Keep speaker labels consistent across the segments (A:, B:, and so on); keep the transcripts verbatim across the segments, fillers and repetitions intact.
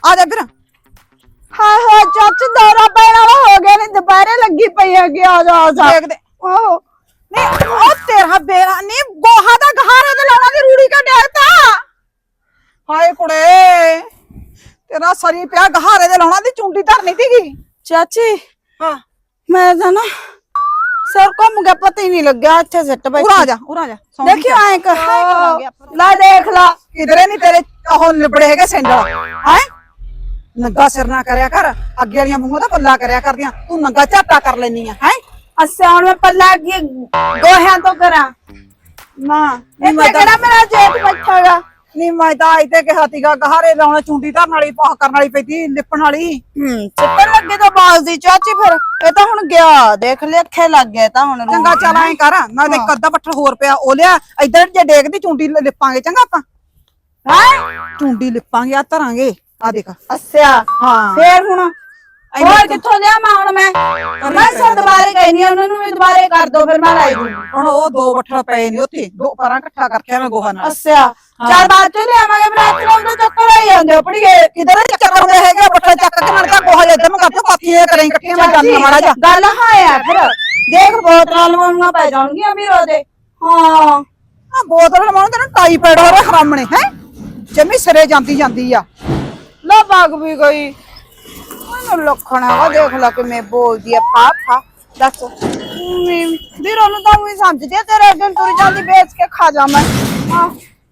A: ਆ ਜਾ ਫਿਰ।
B: ਹਾਏ ਹਾਏ ਚਾਚੀ ਦੌਰਾ ਪੈਣ ਵਾਲਾ ਹੋ ਗਿਆ ਨੇ ਦੁਪਹਿਰੇ ਲੱਗੀ ਪਈ ਹੈਗੀ ਆ ਜਾ ਆ ਜਾ
A: ਦੇਖਦੇ ਓ ਨਹੀਂ ਉਹ ਤੇਰਾ ਬੇਰਾ ਨਹੀਂ ਗੋਹਾ ਦਾ ਗਹਾਰੇ ਤੇ ਲਾਉਣਾ ਦੀ ਰੂੜੀ ਕਾ ਡੇਤਾ। ਹਾਏ ਕੁੜੇ ਤੇਰਾ ਸਰੀ ਪਿਆ ਗਹਾਰੇ ਦੇ ਲਾਉਣਾ ਦੀ ਚੁੰਡੀ ਧਰਨੀ ਸੀਗੀ।
B: ਚਾਚੀ
A: ਹਾਂ
B: ਮੈਂ ਤਾਂ ਨਾ ਸਿਰ ਘੁੰਮ ਗਿਆ ਪਤਾ ਹੀ ਨਹੀਂ ਲੱਗਿਆ ਇੱਥੇ ਸਿੱਟ ਬੈਠੀ।
A: ਉਰਾ ਜਾ ਉਰਾ ਜਾ
B: ਦੇਖਿਓ ਐਂ ਕਰ ਲੈ ਦੇਖ ਲਾ
A: ਕਿਧਰੇ ਨਹੀਂ ਤੇਰੇ ਉਹ ਲਿਬੜੇ ਹੈਗੇ ਸੈਂਡਲ ਹੈ। ਨੰਗਾ ਸਿਰ ਨਾ ਕਰਿਆ ਕਰ ਅੱਗੇ ਵਾਲੀਆਂ ਮੂੰਹਾਂ ਦਾ ਪੱਲਾ ਕਰਿਆ ਕਰਦੀਆਂ ਤੂੰ ਨੰਗਾ ਝਾਟਾ ਕਰ ਲੈਨੀ ਆ ਹੈ।
B: ਅੱਛਾ ਹੁਣ ਮੈਂ ਪੱਲਾ ਅੱਗੇ ਗੋਹਿਆਂ ਤੋਂ ਕਰਾਂ
A: ਨਾ
B: ਇੱਥੇ ਕਿਹੜਾ ਮੇਰਾ ਜੇਠ ਬੈਠਾਗਾ।
A: ਨਹੀਂ ਮੈਂ ਤਾਂ ਇੱਥੇ ਕਿਹਾ ਸੀਗਾ ਗਹਾਰੇ ਲਾਉਣਾ ਚੁੰਡੀ ਧਰਨ ਵਾਲੀ ਪਾਹ ਕਰਨ ਵਾਲੀ ਪੈਂਦੀ ਲਿਪਣ ਵਾਲੀ।
B: ਹੂੰ ਚੱਟਣ ਲੱਗੇ ਤਾਂ ਬਾਜ਼ ਦੀ ਚਾਚੀ ਫਿਰ ਇਹ ਤਾਂ ਹੁਣ ਗਿਆ ਦੇਖ ਲੈ ਅੱਖੇ ਲੱਗ ਗਿਆ ਤਾਂ ਹੁਣ
A: ਚੰਗਾ ਚੱਲ ਐਂ ਕਰ ਨਾ ਤੇ ਅੱਧਾ ਪੱਠਰ ਹੋਰ ਪਿਆ ਉਹ ਲਿਆ ਇੱਧਰ ਜੇ ਡੇਗਦੀ ਚੁੰਡੀ ਲਿਪਾਂਗੇ ਚੰਗਾ ਆਪਾਂ ਹੈ ਚੁੰਡੀ ਲਿਪਾਂਗੇ ਆ ਧਰਾਂਗੇ ਆ ਦੇਖ।
B: ਅੱਛਾ
A: ਹਾਂ
B: ਫੇਰ ਹੁਣ ਹੋਰ ਕਿੱਥੋਂ ਲਿਆ ਮੈਂ ਹੁਣ ਮੈਂ ਮੈਂ ਸੋ ਦੁਬਾਰੇ ਗਈ ਨਹੀਂ ਉਹਨਾਂ ਨੂੰ ਵੀ ਦੁਬਾਰੇ ਕਰ ਦੋ ਫਿਰ ਮੈਂ ਲਾਈ ਦੂੰ।
A: ਹੁਣ ਉਹ ਦੋ ਪੱਠਰ ਪਏ ਨੇ ਉੱਥੇ ਦੋ ਪਰਾਂ ਇਕੱਠਾ ਕਰਕੇ ਮੈਂ ਗੋਹਾ ਨਾਲ।
B: ਅੱਛਾ ਚਾਰ ਬਾਅਦ ਚ ਲਿਆਵਾਂਗੇ ਫਿਰ ਇੱਥੇ ਉਹਦੇ ਚੱਕਰ ਆਈ ਜਾਂਦੇ ਪੜੀਏ
A: ਕਿਧਰ ਚੱਕਰ ਹੁੰਦੇ ਹੈਗੇ ਪੱਠਰ ਚੱਕ ਕੇ ਮਰ ਕੇ ਗੋਹਾ ਇੱਧਰ ਨੂੰ ਕਰਦੇ ਪਾਥੀਆਂ ਕਰੇ ਇਕੱਠੀਆਂ ਮੈਂ ਜਾਂਦੀ ਮਾੜਾ ਜਾ
B: ਗੱਲ ਹਾਂ ਫਿਰ ਦੇਖ ਬੋਤਲਾਂ ਲਵਾਉਣੀਆਂ ਪੈ ਜਾਣਗੀਆਂ ਵੀਰ ਉਹਦੇ। ਹਾਂ
A: ਆ ਬੋਤਲ ਲਵਾਉਣ ਤੈਨੂੰ ਟਾਈਫਾਇਡ ਹੋ ਰਿਹਾ ਹਰਾਮਣੇ ਹੈ ਜਮੀ ਸਿਰੇ ਜਾਂਦੀ ਜਾਂਦੀ ਆ।
B: ਲਾ ਬਾਗ ਵੀ ਗਈ ਮੈਨੂੰ ਲੱਖਣਾ ਵਾ ਦੇਖ ਲਾ ਕਿਵੇਂ ਬੋਲਦੀ ਆ ਫਾ ਫਾ ਦੱਸ ਵੀਰ ਉਹਨੂੰ ਤਾਂ ਵੀ ਸਮਝਦੀ ਆ ਤੇਰੇ ਅੱਗੇ ਤੁਰ ਜਾਂਦੀ ਵੇਚ ਕੇ ਖਾ ਜਾ ਮੈਂ। ਹਾਂ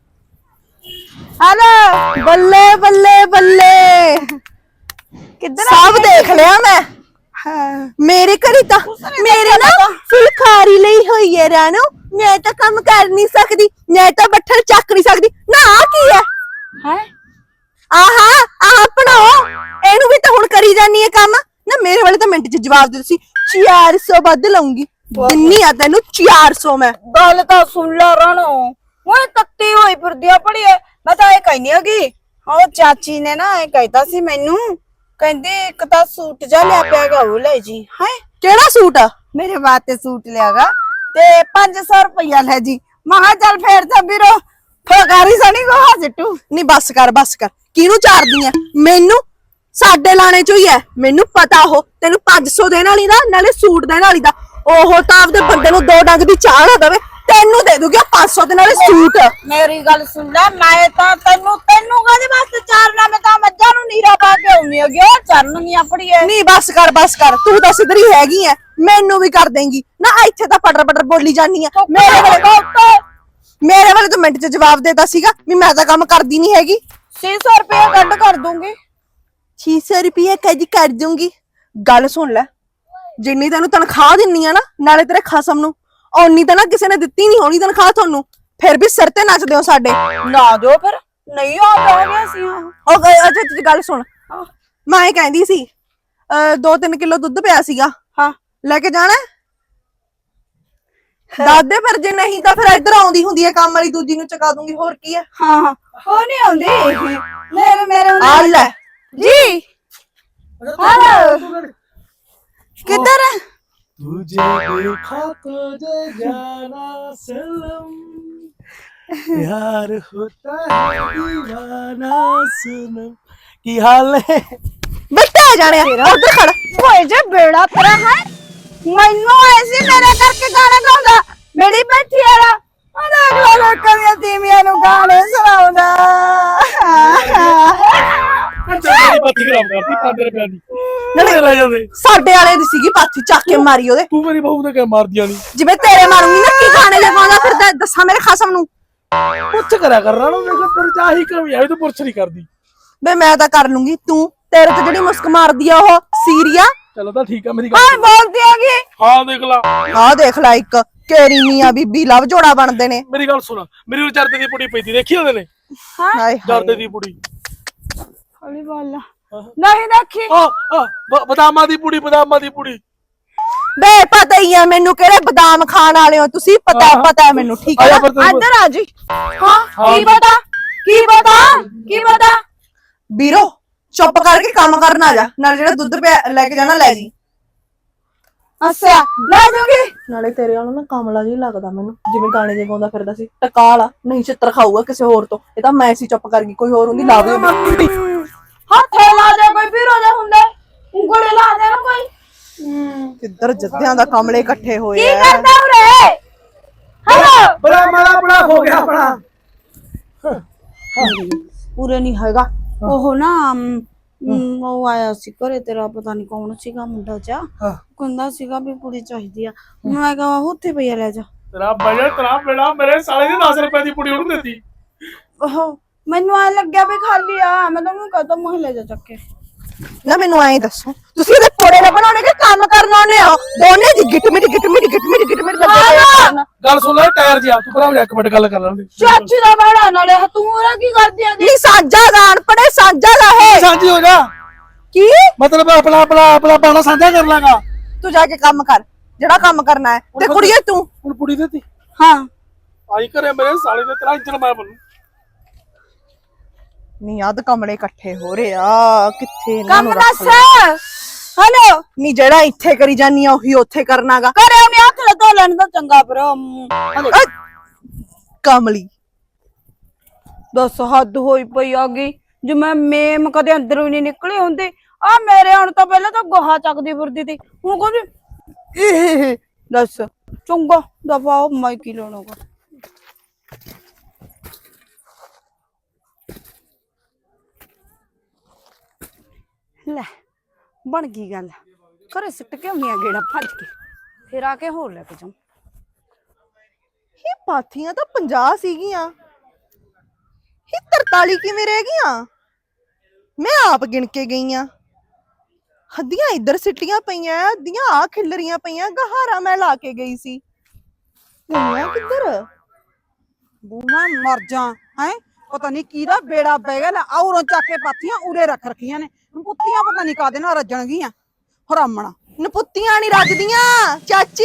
B: ਹਲੋ ਬੱਲੇ ਬੱਲੇ ਬੱਲੇ ਕਿੱਧਰ
C: ਸਭ ਦੇਖ ਲਿਆ ਮੈਂ।
B: ਹਾਂ
C: ਮੇਰੇ ਘਰੇ ਤਾਂ ਮੇਰੇ ਨਾ ਫੁਲਕਾਰੀ ਲਈ ਹੋਈ ਹੈ ਰਾਣੋ। ਮੈਂ ਤਾਂ ਕੰਮ ਕਰ ਨਹੀਂ ਸਕਦੀ ਮੈਂ ਤਾਂ ਬੱਠਲ ਚੱਕ ਨਹੀਂ ਸਕਦੀ ਨਾ। ਆ ਕੀ ਹੈ
B: ਹੈ
C: ਆਹਾ ਆਹ ਬਣਾਓ ਇਹਨੂੰ ਵੀ ਤਾਂ ਹੁਣ ਕਰੀ ਜਾਨੀ ਹੈ ਕੰਮ ਨਾ। ਮੇਰੇ ਵਾਲੇ ਤਾਂ ਮਿੰਟ ਚ ਜਵਾਬ ਦੇ ਤੁਸੀਂ ਚਾਰ ਸੌ ਵੱਧ ਲਾਉਂਗੀ ਦਿੰਨੀ ਆ ਤੈਨੂੰ ਚਾਰ ਸੌ ਮੈਂ।
B: ਗੱਲ ਤਾਂ ਸੁਣ ਲਾ ਰਾਣੋ ਉਹ ਤੱਤੀ ਹੋਈ ਫਿਰਦੀ ਆ ਪੜੀਏ ਮੈਂ ਤਾਂ ਇਹ ਕਹਿਨੀ ਹੈਗੀ ਉਹ ਚਾਚੀ ਨੇ ਨਾ ਇਹ ਕਹਿਤਾ ਸੀ ਮੈਨੂੰ ਕਹਿੰਦੀ ਇੱਕ ਤਾਂ ਸੂਟ ਜਾ ਲਿਆ ਪਿਆਗਾ ਉਹ ਲੈ ਜੀ ਹੈ
C: ਕਿਹੜਾ ਸੂਟ ਆ
B: ਮੇਰੇ ਵਾਸਤੇ ਸੂਟ ਲਿਆਗਾ ਤੇ ਪੰਜ ਸੌ ਰੁਪਇਆ ਲੈ ਜੀ। ਮਹਾ ਚੱਲ ਫੇਰ ਤਾਂ ਵੀਰੋ ਫੁਲਕਾਰੀ ਸਣੀ ਕੋ ਹਜਟੂ
C: ਨਹੀਂ ਬੱਸ ਕਰ ਬੱਸ ਕਰ ਕਿਹਨੂੰ ਚਾਰਦੀ ਆ ਮੈਨੂੰ ਸਾਡੇ ਲਾਣੇ ਚੋਂ ਹੀ ਐ ਮੈਨੂੰ ਪਤਾ। ਉਹ ਤੈਨੂੰ ਪੰਜ ਸੌ ਦੇਣ ਵਾਲੀ ਦਾ ਨਾਲੇ ਸੂਟ ਦੇਣ ਵਾਲੀ ਦਾ ਉਹ ਤਾਂ ਆਪਦੇ ਬੰਦੇ ਨੂੰ ਦੋ ਡੰਗ ਦੀ ਚਾਹ ਨਾ ਦੇਵੇ ਤੈਨੂੰ ਦੇ ਦੂਗੀ ਪੰਜ ਸੌ ਦੇ ਨਾਲੇ ਸੂਟ।
B: ਮੇਰੀ ਗੱਲ ਸੁਣ ਲੈ ਮੈਂ ਤਾਂ ਤੈਨੂੰ ਤੈਨੂੰ ਕਾਹਦੇ ਵਾਸਤੇ ਚਾਰਨਾ ਮੈਂ ਤਾਂ ਮੱਝਾਂ ਨੂੰ ਨੀਰਾ ਪਾ ਕੇ ਆਉਣੀ ਹੈਗੀ ਉਹ ਚਰਨਗੀਆਂ ਪੜੀਏ।
C: ਨਹੀਂ ਬੱਸ ਕਰ ਬੱਸ ਕਰ ਤੂੰ ਤਾਂ ਸਿੱਧਰੀ ਹੈਗੀ ਐ ਮੈਨੂੰ ਵੀ ਕਰ ਦੇਂਗੀ ਨਾ। ਇੱਥੇ ਤਾਂ ਪਟਰ ਪਟਰ ਬੋਲੀ ਜਾਨੀ ਆ। ਮੇਰੇ ਵਾਲੇ ਮੇਰੇ ਵਾਲੇ ਤਾਂ ਮਿੰਟ ਚ ਜਵਾਬ ਦੇਤਾ ਸੀਗਾ ਵੀ ਮੈਂ ਤਾਂ ਕੰਮ ਕਰਦੀ ਨਹੀਂ ਹੈਗੀ।
B: ਛੇ ਸੌ ਰੁਪਇਆ ਕੱਢ ਕਰ ਦੂੰਗੀ।
C: ਛੇ ਸੌ ਰੁਪਏ ਕਦੀ ਕਰ ਦੂੰਗੀ। ਗੱਲ ਸੁਣ ਲੈ ਜਿੰਨੀ ਤੈਨੂੰ ਤਨਖਾਹ ਦਿੰਨੀ ਆ ਨਾ ਨਾਲੇ ਤੇਰੇ ਖਸਮ ਨੂੰ ਓਨੀ ਤਾਂ ਨਾ ਕਿਸੇ ਨੇ ਦਿੱਤੀ ਨਹੀਂ ਹੋਣੀ ਤਨਖਾਹ ਤੁਹਾਨੂੰ। ਫਿਰ ਵੀ ਸਿਰ ਤੇ ਨੱਚਦੇ ਹੋ ਸਾਡੇ।
B: ਨਾ ਦਿਓ ਫਿਰ ਨਹੀਂ ਆ ਗਿਆ ਸੀ।
C: ਉਹ ਅੱਛਾ ਅੱਛਾ ਗੱਲ ਸੁਣ ਮੈਂ ਇਹ ਕਹਿੰਦੀ ਸੀ ਦੋ ਤਿੰਨ ਕਿਲੋ ਦੁੱਧ ਪਿਆ ਸੀਗਾ
B: ਹਾਂ
C: ਲੈ ਕੇ ਜਾਣਾ ਦਾਦੇ ਫਿਰ ਜੇ ਨਹੀਂ ਤਾਂ ਫਿਰ ਇੱਧਰ ਆਉਂਦੀ ਹੁੰਦੀ ਹੈ ਕੰਮ ਵਾਲੀ ਦੂਜੀ ਨੂੰ ਚਕਾ ਦੂੰਗੀ ਹੋਰ ਕੀ ਹੈ।
B: ਹਾਂ ਹਾਂ ਉਹ ਨਹੀਂ ਆਉਂਦੀ ਮੇਰੇ ਮੇਰੇ
C: ਆ ਲੈ
B: ਜੀ ਹੈਲੋ किधर है
D: तुझे देखा तो जे जाना सनम प्यार होता है दीवाना सनम की हाल है
C: ਬੱਟਾ ਜਾਣਿਆ ਉਧਰ ਖੜ
B: ओए जे बेड़ा तेरा है मैनू ऐसे मेरे करके गाना गाਉਂਦਾ ਮੇਰੀ ਬੈਠੀ ਆਲਾ ਉਹਦਾ ਅਗਲਾ ਲੋਕਾਂ ਦੀਆਂ ਤੀਵੀਆਂ ਨੂੰ ਗਾਣੇ ਸੁਣਾਉਂਦਾ।
D: तेरी पत्ती खराब करती पांच रुपए दी
C: ਨਾਲੇ
D: ले जाते
C: ਸਾਡੇ ਵਾਲੇ ਦੀ ਸੀਗੀ ਪਾਥੀ ਚੱਕ ਕੇ ਮਾਰੀ ਉਹਦੇ
D: तू मेरी बहू ने क्या मार दिया नहीं
C: ਜਿਵੇਂ ਤੇਰੇ ਮਾਰੂੰਗੀ ਨਾ ਕੀ ਗਾਣੇ ਲਗਾਉਂਦਾ ਫਿਰਦਾ ਦੱਸਾਂ ਮੇਰੇ ਖਸਮ ਨੂੰ।
D: कुछ करा कर रहा ना देखो तेरे चाह ही कमी है तो पुरछ नहीं करदी
C: ਬੇ ਮੈਂ ਤਾਂ ਕਰ ਲੂੰਗੀ ਤੂੰ ਤੇਰੇ ਤੇ ਜਿਹੜੀ ਮੁਸਕ ਮਾਰਦੀ ਆ ਉਹ ਸੀਰੀਆ।
D: चलो तो ठीक है मेरी
B: ਹਾਂ
D: गल
B: ਬੋਲਦੀ ਹੈਗੀ
D: हां देख ला
C: ਆਹ ਦੇਖ ਲੈ ਇੱਕ ਕੇਰੀ ਮੀਆਂ ਬੀਬੀ ਲਵ ਜੋੜਾ ਬਣਦੇ ਨੇ।
D: मेरी गल सुन मेरी चरते दी पुड़ी पई थी देखी ओने
B: ਹਾਂ
C: ਹਾਏ
D: चरते दी पुड़ी
B: ਹੌਲੀ ਬੋਲ ਨਹੀਂ ਦੇਖੀ
D: आ आ बदामा दी पुड़ी बदामा दी पुड़ी
C: ਬੇ ਪਤਾ ਹੀ ਆ ਮੈਨੂੰ ਕਿਹੜੇ ਬਦਾਮ ਖਾਣ ਵਾਲੇ ਹੋ ਤੁਸੀਂ ਪਤਾ
D: ਹਾਂ।
C: ਪਤਾ ਹੈ ਮੈਨੂੰ ਠੀਕ ਹੈ
D: ਆਇਆ
C: ਨਾ?
D: ਪਰ ਤੈਨੂੰ-
C: ਇੱਧਰ ਆ ਜੀ।
B: ਹਾਂ ਕੀ ਪਤਾ ਕੀ ਪਤਾ ਕੀ ਪਤਾ
C: ਵੀਰੋ ਚੁੱਪ ਕਰਕੇ ਕੰਮ ਕਰਨ ਆ ਜਾ ਨਾਲ ਜਿਹੜਾ ਦੁੱਧ ਪਿਆ ਲੈ ਕੇ ਜਾਣਾ ਲੈ ਜੀ।
B: ਅੱਛਾ ਲੈ ਜੂਗੀ
C: ਨਾਲੇ ਤੇਰੇ ਵਾਲਾ ਨਾ ਕਮਲਾ ਜੀ ਲੱਗਦਾ ਮੈਨੂੰ ਜਿਵੇਂ ਗਾਣੇ ਜੇ ਗਾਉਂਦਾ ਫਿਰਦਾ ਸੀ ਟਕਾ ਵਾਲਾ ਨਹੀਂ ਛਿੱਤਰ ਖਾਊਗਾ ਕਿਸੇ ਹੋਰ ਤੋਂ। ਇਹ ਤਾਂ ਮੈਂ ਸੀ ਚੁੱਪ ਕਰ ਗਈ ਕੋਈ ਹੋਰ ਹੁੰਦੀ ਲਾਵੇ
B: ਹੱਥੇ
C: ਇੱਧਰ ਜੱਦਿਆਂ ਦਾ ਕਮਲੇ ਇਕੱਠੇ ਹੋਏ
B: ਕੀ
C: ਆ
B: ਕਰਦਾ ਉਰੇ ਹੈਲੋ
D: ਬੜਾ ਮਾੜਾ ਬੜਾ ਹੋ ਗਿਆ ਆਪਣਾ।
B: ਪੂਰੇ ਨਹੀਂ ਹੈਗਾ ਉਹ ਨਾ ਅਮ, ਅਮ, ਉਹ ਆਇਆ ਸੀ ਘਰੇ ਤੇਰਾ ਪਤਾ ਨਹੀਂ ਕੌਣ ਸੀਗਾ ਮੁੰਡਾ ਜਾ
D: ਹਾਂ।
B: ਕਹਿੰਦਾ ਸੀਗਾ ਵੀ ਕੁੜੀ ਚਾਹੀਦੀ ਆ ਮੈਂ ਕਿਹਾ ਉੱਥੇ ਪਈ ਆ ਲੈ ਜਾ
D: ਤੇਰਾ ਬਜਟ ਤੇਰਾ ਬੇੜਾ ਮੇਰੇ ਸਾਲੇ ਦੀ ਦਸ ਰੁਪਏ ਦੀ ਪੁੜੀ ਉਹਨੂੰ ਦਿੱਤੀ।
B: ਉਹ ਮੈਨੂੰ ਆ ਲੱਗਿਆ ਵੀ ਖਾਲੀ ਆ ਮੈਂ ਤਾਂ ਕਹਤਾ ਮਹੱਲੇ ਜਾ ਚੱਕ ਕੇ
C: ਨਾ ਮੈਨੂੰ ਐਂ ਦੱਸੋ ਤੁਸੀਂ ਇਹਦੇ ਪੋੜੇ ਨਾ ਬਣਾਉਣੇ ਕਿ ਕੰਮ ਕਰਨ ਆਉਣੇ ਹੋ ਦੋਨੇ ਜੀ ਗਿੱਟ ਮਿੱਟ ਗਿੱਟ ਮਿੱਟ ਗਿੱਟ ਮਿੱਟ ਗਿੱਟ ਮਿੱਟ ਕਰਦੇ ਪਏ ਆ ਕਰਨ।
D: ਗੱਲ ਸੁਣ ਲੈ ਟਾਇਰ ਜਿਹਾ ਤੂੰ ਭਰਾ ਇੱਕ ਮਿੰਟ ਗੱਲ ਕਰ ਲੈਂਦੇ।
B: ਚਾਚੀ ਦਾ ਬੜਾ ਨਾਲੇ ਤੂੰ ਉਹਦਾ ਕੀ ਕਰਦੀ ਆ
C: ਨਹੀਂ ਸਾਂਝਾ ਗਾਣ ਪੜੇ ਸਾਂਝਾ ਦਾ ਹੈ
D: ਸਾਂਝੀ ਹੋ ਜਾ
C: ਕੀ
D: ਮਤਲਬ ਆਪਣਾ ਆਪਣਾ ਆਪਣਾ ਬਾਣਾ ਸਾਂਝਾ ਕਰ ਲਾਂਗਾ।
C: ਤੂੰ ਜਾ ਕੇ ਕੰਮ ਕਰ ਜਿਹੜਾ ਕੰਮ ਕਰਨਾ ਹੈ ਤੇ ਕੁੜੀਏ ਤੂੰ
D: ਹੁਣ ਪੁੜੀ ਦਿੱਤੀ
B: ਹਾਂ
D: ਆਈ ਘਰੇ ਮੇਰੇ ਸਾਲੇ ਦੇ ਤੇਰਾ ਇੰਜਣ ਮੈਂ ਬਣੂ।
C: ਨਹੀਂ ਅੱਧ ਕਮਲੇ ਇਕੱਠੇ ਹੋ ਰਹੇ ਆ ਕਿੱਥੇ ਇਹਨਾਂ
B: ਕੰਮ
C: ਨੂੰ
B: ਦੱਸ
C: ਰੱਖ
B: ਹਲੋ
C: ਨਹੀਂ ਜਿਹੜਾ ਇੱਥੇ ਕਰੀ ਜਾਨੀ ਆ ਉਹੀ ਉੱਥੇ ਕਰਨਾਗਾ
B: ਕਰੇ ਉਹਨੇ ਹੱਥ ਲਾ ਧੋ ਲੈਣ ਦਾ ਚੰਗਾ ਪਰ
C: ਕਮਲੀ
B: ਦੱਸ ਹੱਦ ਹੋਈ ਪਈ ਆ ਗਈ ਜੇ ਮੈਂ ਮੇਮ ਕਦੇ ਅੰਦਰੋਂ ਨਹੀਂ ਨਿਕਲੇ ਹੁੰਦੇ ਆ ਮੇਰੇ ਹੁਣ ਤਾਂ ਪਹਿਲਾਂ ਤਾਂ ਗੋਹਾ ਚੱਕਦੀ ਫਿਰਦੀ ਸੀ ਹੁਣ ਕੋਈ ਇਹ ਦੱਸ ਚੰਗਾ ਦਫਾ ਮੈਂ ਕੀ ਲੈਣਾਗਾ ਲੈ ਬਣ ਗਈ ਗੱਲ ਘਰੇ ਸਿੱਟ ਕੇ ਆਉਣੀ ਆ ਗੇੜਾ ਭੱਜ ਕੇ ਫਿਰ ਆ ਕੇ ਹੋਰ ਲੈ ਕੇ ਜਾਉਂ
C: ਇਹ ਪਾਥੀਆਂ ਤਾਂ ਪੰਜਾਹ ਸੀਗੀਆਂ ਇਹ ਤਰਤਾਲੀ ਕਿਵੇਂ ਰਹਿ ਗਈਆਂ ਮੈਂ ਆਪ ਗਿਣ ਕੇ ਗਈ ਆ ਹੱਦੀਆਂ ਇੱਧਰ ਸਿੱਟੀਆਂ ਪਈਆਂ ਅੱਧੀਆਂ ਆ ਖਿਲਰੀਆਂ ਪਈਆਂ ਗਹਾਰਾ ਮੈਂ ਲਾ ਕੇ ਗਈ ਸੀ ਗਈਆਂ ਕਿੱਧਰ
A: ਬੂਮਾ ਮਰ ਜਾ ਹੈ ਪਤਾ ਨਹੀਂ ਕਿਹਦਾ ਬੇੜਾ ਪੈ ਗਿਆ ਲੈ ਔਰੋਂ ਚੱਕ ਕੇ ਪਾਥੀਆਂ ਉਰੇ ਰੱਖ ਰੱਖੀਆਂ ਨੇ ਪੁੱਤੀਆਂ ਪਤਾ ਨਹੀਂ ਕਾਦੇ ਨਾਲ ਰੱਜਣਗੀਆਂ ਹਰਾਮਣਾ
C: ਨਪੁੱਤੀਆਂ ਨਹੀਂ ਰੱਜਦੀਆਂ ਚਾਚੀ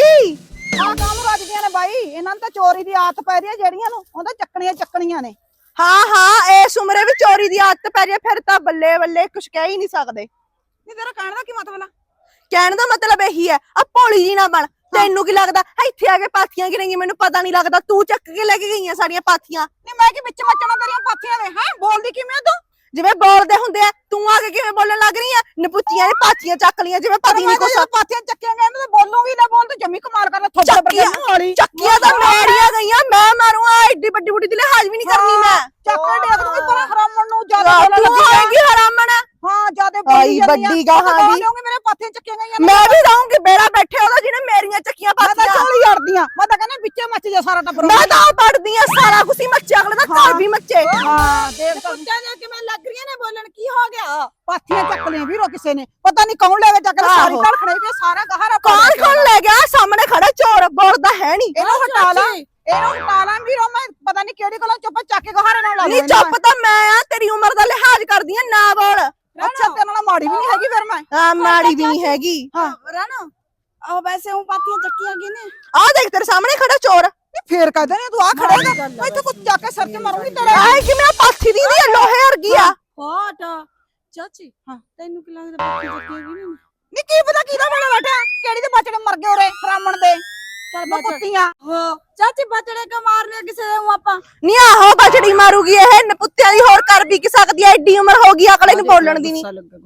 A: ਆ ਕੰਮ ਰੱਜਦੀਆਂ ਨੇ ਬਾਈ ਇਹਨਾਂ ਨੂੰ ਤਾਂ ਚੋਰੀ ਦੀ ਆਦਤ ਪੈ ਰਹੀ ਹੈ ਜਿਹੜੀਆਂ ਨੂੰ ਉਹਦਾ ਚੱਕਣੀਆਂ ਚੱਕਣੀਆਂ ਨੇ
C: ਹਾਂ ਹਾਂ ਇਸ ਉਮਰੇ ਵੀ ਚੋਰੀ ਦੀ ਆਦਤ ਪੈ ਰਹੀ ਫਿਰ ਤਾਂ ਬੱਲੇ ਬੱਲੇ ਕੁਛ ਕਹਿ ਹੀ ਨਹੀਂ ਸਕਦੇ
A: ਨਹੀਂ ਤੇਰਾ ਕਹਿਣ ਦਾ ਕੀ ਮਤਲਬ ਆ
C: ਕਹਿਣ ਦਾ ਮਤਲਬ ਇਹੀ ਹੈ ਆ ਭੋਲੀ ਜੀ ਨਾ ਬਣ ਤੈਨੂੰ ਕੀ ਲੱਗਦਾ ਇੱਥੇ ਆ ਕੇ ਪਾਥੀਆਂ ਗਿਣੀਆਂ ਮੈਨੂੰ ਪਤਾ ਨਹੀਂ ਲੱਗਦਾ ਤੂੰ ਚੱਕ ਕੇ ਲੈ ਕੇ ਗਈਆਂ ਸਾਰੀਆਂ ਪਾਥੀਆਂ
A: ਨਹੀਂ ਮੈਂ ਕੀ ਵਿੱਚ ਮੱਚਣਾ ਤੇਰੀਆਂ ਪਾਥੀਆਂ ਦੇ ਹੈ ਬੋਲਦੀ ਕਿਵੇਂ ਤੂੰ
C: ਜਿਵੇਂ ਬੋਲਦੇ ਹੁੰਦੇ ਆ ਤੂੰ ਆ ਕੇ ਕਿਵੇਂ ਬੋਲਣ ਲੱਗ ਰਹੀ ਆ ਨਪੁੱਤੀਆਂ ਨੇ ਪਾਥੀਆਂ ਚੱਕ ਲੀਆਂ ਜਿਵੇਂ ਪਤਾ ਨਹੀਂ ਕੁਛ
A: ਪਾਥੀਆਂ ਚੱਕੀਆਂ ਗਏ ਇਹਨਾਂ ਤੇ ਬੋਲੂਗੀ ਨਾ ਬੋਲ ਤੂੰ ਜੰਮੀ ਕਮਾਲ ਕਰਨਾ ਥੋੜੇ
C: ਚੱਕੀਆਂ
A: ਵਾਲੀ
C: ਚੱਕੀਆਂ ਤਾਂ ਮੇਰੀਆਂ ਗਈਆਂ ਮੈਂ ਮਾਰੂ ਆ ਐਡੀ ਵੱਡੀ ਵੱਡੀ ਦੀ ਲਿਹਾਜ਼ ਵੀ ਨਹੀਂ ਕਰਨੀ ਮੈਂ
A: ਚੱਕਰ ਡੇਕ ਦੂੰਗੀ ਪਰ ਹਰਾਮਣ ਨੂੰ ਜ਼ਿਆਦਾ ਬੋਲਣ
C: ਤੂੰ
A: ਲੱਗੀ
C: ਆਏਗੀ ਹਰਾਮਣ
A: ਹਾਂ ਜਿਆਦਾ
C: ਆਈ ਵੱਡੀ ਗਾਹਾਂ ਦੀ
A: ਮੇਰੇ ਪਾਥੀਆਂ ਚੱਕੀਆਂ ਗਈਆਂ
C: ਮੈਂ ਵੀ ਰਹੂੰਗੀ ਬੇੜਾ ਬੈਠੇ ਉਹਦਾ ਜਿਹਨੇ ਮੇਰੀਆਂ ਚੱਕੀਆਂ
A: ਮੈਂ ਤਾਂ
C: ਪਾਥੀਆਂ
A: ਚੋਲੀ ਅੜਦੀਆਂ ਮੈਂ ਤਾਂ ਕਹਿੰਦਾ ਵਿੱਚੇ ਮੱਚ ਜਾ ਸਾਰਾ ਟੱਬਰ
C: ਮੈਂ ਤਾਂ ਪੜਦੀ ਆ ਸਾਰਾ ਕੁਝ ਹੀ ਮੱਚੇ ਅਗਲੇ ਦਾ ਘਰ ਵੀ ਮੱਚੇ
A: ਹਾਂ ਦੇਖ ਤਾਂ ਕੁੱਤਿਆਂ ਦੇ ਕਿਵੇਂ ਲੱਗ ਰਹੀਆਂ ਨੇ ਬੋਲਣ ਕੀ ਹੋ ਗਿਆ ਪਾਥੀਆਂ ਚੱਕ ਲਿਆ ਵੀਰੋ ਕਿਸੇ ਨੇ ਪਤਾ ਨਹੀਂ ਕੌਣ ਲੈ ਕੇ ਚੱਕ ਲਿਆ ਸਾਰੀ ਘੜ ਖੜੇ ਵੀ ਸਾਰਾ ਗਹਾਰਾ
C: ਕੌਣ ਕੌਣ ਲੈ ਗਿਆ ਸਾਹਮਣੇ ਖੜਾ ਚੋਰ ਬੋਲਦਾ ਹੈ ਨਹੀਂ
A: ਇਹਨੂੰ ਹਟਾ ਲਾ ਇਹਨੂੰ ਹਟਾ ਲਾ ਵੀਰੋ ਮੈਂ ਪਤਾ ਨਹੀਂ ਕਿਹੜੀ ਕੋਲੋਂ ਚੁੱਪ ਚੱਕ ਕੇ ਗਹਾਰੇ ਨਾਲ ਲਾ
C: ਨਹੀਂ ਚੁੱਪ ਤਾਂ ਮੈਂ ਆ ਤੇਰੀ ਉਮਰ ਦਾ ਲਿਹਾਜ਼ ਕਰਦੀ ਆ ਨਾ ਬੋਲ
A: ਅੱਛਾ ਤੇਰੇ ਨਾਲ ਮਾੜੀ ਵੀ ਨਹੀਂ ਹੈਗੀ ਫਿਰ ਮੈਂ
C: ਆ ਮਾੜੀ ਵੀ ਨਹੀਂ ਹੈਗੀ
A: ਹਾਂ
B: ਰਾਣਾ ਆ ਵੈਸੇ ਉਹ ਪਾਥੀਆਂ ਚੱਕੀਆਂ ਗਈ ਨੇ
C: ਆ ਦੇਖ ਤੇਰੇ ਸਾਹਮਣੇ ਖੜਾ ਚੋਰ
A: ਫੇਰ ਕਹਦੇ ਨੇ ਤੂੰ ਆ ਖੜੇਗਾ ਮੈਂ ਇੱਥੇ ਕੁਝ ਚੱਕ ਕੇ ਸਿਰ ਤੇ ਮਾਰੂੰਗੀ ਤੇਰੇ
C: ਆਏ ਕਿ ਮੈਂ ਪਾਥੀ ਦੀ ਦੀ ਲੋਹੇ ਵਰਗੀ ਆ
B: ਫਾਟ ਚਾਚੀ ਹਾਂ ਤੈਨੂੰ ਕੀ ਲੱਗਦਾ ਪਾਥੀਆਂ ਚੱਕੀਆਂ ਗਈ ਨੇ
A: ਨੀ ਕੀ ਪਤਾ ਕਿਹਦਾ ਬਣਾ ਬੈਠਾ ਕਿਹੜੀ ਦੇ ਬਚੜੇ ਮਰ ਗਏ ਉਰੇ ਹਰਾਮਣ ਦੇ ਚੱਲ ਕੁੱਤੀਆਂ
B: ਹੋ ਚਾਚੀ ਬਚੜੇ ਕੋ ਮਾਰਨੇ ਕਿਸੇ ਨੂੰ ਆਪਾਂ
C: ਨਹੀਂ ਆਹੋ ਬਚੜੀ ਮਾਰੂਗੀ ਇਹ ਨਪੁੱਤਿਆਂ ਦੀ ਹੋਰ ਕਰ ਵੀ ਕੀ ਸਕਦੀ ਐ ਐਡੀ ਉਮਰ ਹੋ ਗਈ ਅਕਲੇ ਨੂੰ ਬੋਲਣ ਦੀ ਨਹੀਂ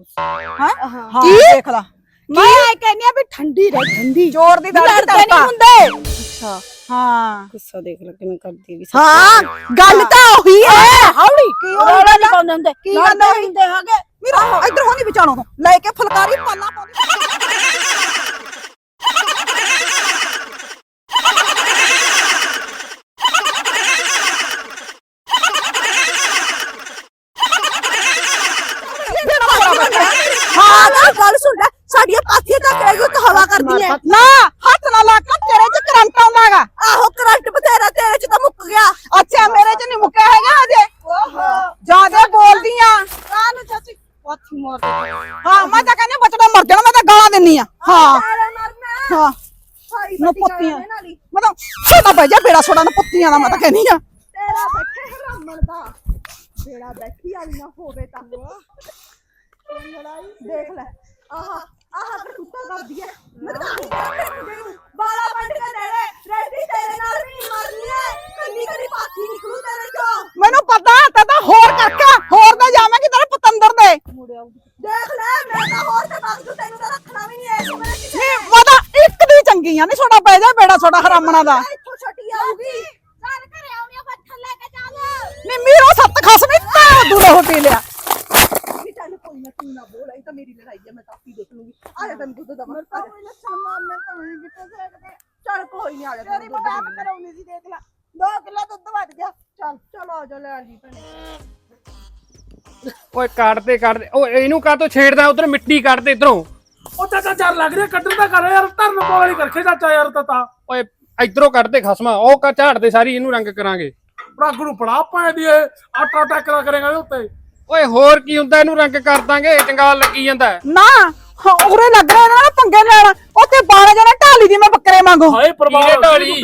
A: ਹਾਂ ਹਾਂ
C: ਕੀ?
A: ਦੇਖ ਲਾ ਮੈਂ ਇਹ ਕਹਿੰਨੀ ਆ ਵੀ ਠੰਡੀ ਰਹਿ ਠੰਡੀ ਜ਼ੋਰ ਦੀ ਦਾੜੀ
B: ਲੜਦੇ ਨਹੀਂ ਹੁੰਦੇ ਅੱਛਾ
A: ਹਾਂ
B: ਗੁੱਸਾ ਦੇਖ ਲੈ ਕਿਵੇਂ ਕਰਦੀ ਹੈਗੀ
C: ਹਾਂ ਗੱਲ ਤਾਂ ਉਹੀ ਹੈ
A: ਹੌਲੀ ਕੀ ਹੋ
B: ਰੌਲਾ ਨਹੀਂ ਪਾਉਂਦੇ ਹੁੰਦੇ
A: ਕੀ ਗੱਲ ਹੋਈ?
B: ਹੁੰਦੇ ਹੈਗੇ
A: ਮੇਰਾ ਇੱਧਰ ਹੋਣੀ ਵਿਚਾਣੋ ਤੋਂ ਲੈ ਕੇ ਫੁਲਕਾਰੀ ਪਾਲਾ ਪਾਉਂਦੀ
C: ਹਾਂ ਨਾ ਗੱਲ ਸੁਣ ਲੈ ਸਾਡੀਆਂ ਪਾਥੀਆਂ ਤੱਕ ਰਹਿ ਗਈ ਤਾਂ ਹਵਾ ਕਰਦੀ ਐ
A: ਨਾ ਹੱਥ ਨਾ ਲਾ ਕੇ ਤੇਰੇ ਚ ਕਰੰਟ ਆਉਂਦਾਗਾ
C: ਆਹੋ ਕਰੰਟ ਬਥੇਰਾ ਤੇਰੇ ਚ ਤਾਂ ਮੁੱਕ ਗਿਆ
A: ਅੱਛਾ ਮੇਰੇ ਚ ਨਹੀਂ ਮੁੱਕਿਆ ਹੈਗਾ ਅਜੇ ਜਿਆਦਾ ਬੋਲਦੀ ਆ
B: ਕਾਹਨੂੰ ਚਾਚੀ ਪਾਥੀ ਮਾਰ
A: ਹਾਂ ਮੈਂ ਤਾਂ ਕਹਿੰਦੀ ਬਚੜਾ ਮਰ ਜਾਣਾ ਮੈਂ ਤਾਂ ਗਾਲਾਂ ਦਿੰਨੀ ਆ ਹਾਂ ਹਾਂ ਨਾ ਪੁੱਤੀਆਂ ਮੈਂ ਤਾਂ ਛੋਟਾ ਪੈ ਜਾ ਬੇੜਾ ਛੋੜਾ ਨਾ ਪੁੱਤੀਆਂ ਦਾ ਮੈਂ ਤਾਂ ਕਹਿੰਦੀ ਆ
C: ਤੇਰਾ ਬੈਠੇ ਹਰਾਮਣ ਦਾ ਬੇੜਾ ਬੈਠੀ ਵਾਲੀ ਨਾ ਹੋਵੇ ਤਾਂ ਲੜਾਈ ਦੇਖ ਲੈ ਆਹਾ ਆਹਾ ਤੇ ਕੁੱਤਾ ਕਰਦੀ ਐ ਮੈਂ ਤਾਂ ਨਹੀਂ ਕਰਦੀ ਬਾਲਾ ਵੱਢ ਕੇ ਦੇ ਦੇ ਰੈਡੀ ਤੇਰੇ ਨਾਲ ਵੀ ਨਹੀਂ ਮਰਨੀ ਐ ਕੰਨੀ ਕੰਨੀ ਪਾਥੀ ਨਿਕਲੂ ਤੇਰੇ ਚੋਂ
A: ਮੈਨੂੰ ਪਤਾ ਤੇ ਤਾਂ ਹੋਰ ਕਰਕੇ ਹੋਰ ਤਾਂ ਜਾਵਾਂਗੀ ਤੇਰੇ ਪਤੰਦਰ ਦੇ
C: ਦੇਖ ਲੈ ਮੈਂ ਤਾਂ ਹੋਰ ਤੇ ਬਾਅਦ ਤੈਨੂੰ ਤਾਂ ਰੱਖਣਾ ਵੀ ਨਹੀਂ ਐ ਮੇਰੇ ਕਿਸੇ
A: ਨਹੀਂ ਮੈਂ ਤਾਂ ਚੰਗੀ ਆ ਨਹੀਂ ਛੋਟਾ ਪੈ ਜਾ ਬੇੜਾ ਛੋਟਾ ਹਰਾਮਣਾ ਦਾ
C: ਇੱਥੋਂ ਛੱਡੀ ਆਊਗੀ ਚੱਲ ਘਰੇ ਆਉਣੀ ਆ ਬੱਠਲ ਲੈ ਕੇ ਚੱਲ
A: ਨੀ ਮੀਰੋ ਸੱਤ ਖਸਮੀ ਤਾਂ ਦੂਰੋਂ ਹੋ ਪੀ ਲਿਆ
C: ਵੀ ਚੱਲ ਕੋਈ ਨਾ ਤੂੰ ਨਾ ਬੋਲ ਇਹ ਤਾਂ ਮੇਰੀ ਲੜਾਈ ਹੈ ਮੈਂ ਤਾਂ ਆਪੀ ਦੇਖ ਲੂੰਗੀ ਆ ਜਾ ਤੈਨੂੰ ਦੁੱਧ ਦਵਾ ਤਾਂ ਕੋਈ ਨਾ ਸ਼ਾਮਾਂ ਮੈਂ ਤਾਂ ਨਹੀਂ ਕਿਤੇ ਦੇਖਦੇ ਚੱਲ ਕੋਈ ਨਹੀਂ ਆ ਜਾ ਤੇਰੀ ਬਣਾ ਕਰਾਉਣੀ ਸੀ ਦੇਖ ਲੈ ਦੋ ਕਿਲੋ ਦੁੱਧ ਵੱਧ ਗਿਆ ਚੱਲ ਚਲ ਆ ਜਾ ਲੈ ਜੀ ਭੈਣੇ
E: ਓਏ ਕੱਢਦੇ ਕੱਢਦੇ ਓਏ ਇਹਨੂੰ ਕਾਹ ਤੋਂ ਛੇੜਦਾ ਉਧਰ ਮਿੱਟੀ ਕੱਢਦੇ ਇਧਰੋਂ
D: ਉਹ ਚਾਚਾ ਚਾਰ ਲੱਗ ਰਿਹਾ ਕੱਢਣ ਦਾ ਕਰ ਯਾਰ ਧਰਨ ਵਾਲੀ ਕਰਖੇ ਚਾਚਾ ਯਾਰ ਤਾ
E: ਓਏ ਇਧਰੋਂ ਕੱਢਦੇ ਖਸਮਾ ਉਹ ਕਾ ਝਾੜਦੇ ਸਾਰੀ ਇਹਨੂੰ ਰੰਗ ਕਰਾਂਗੇ
D: ਰੱਗ ਨੂੰ ਪੜਾ ਪਾਏ ਦੀ ਇਹ ਆਟਾ ਟੱਕਰਾ ਕਰੇਗਾ ਇਹਦੇ ਉੱਤੇ
E: ਓਏ ਹੋਰ ਕੀ ਹੁੰਦਾ ਇਹਨੂੰ ਰੰਗ ਕਰ ਦਾਂਗੇ ਚੰਗਾਲ ਲੱਗੀ ਜਾਂਦਾ
A: ਨਾ ਹਾਂ, ਉਰੇ ਲੱਗ ਰਿਹਾ ਇਹਨਾਂ ਨਾਲ ਪੰਗੇ ਲੈਣਾ ਉੱਥੇ ਬਾਰਾਂ ਜਣੇ ਢਾਲੀ ਦੀ ਮੈਂ ਬੱਕਰੇ ਵਾਂਗੂ
D: ਹਾਏ ਪਰਵਾਹ
E: ਕੀੜੇ ਢਾਲੀ।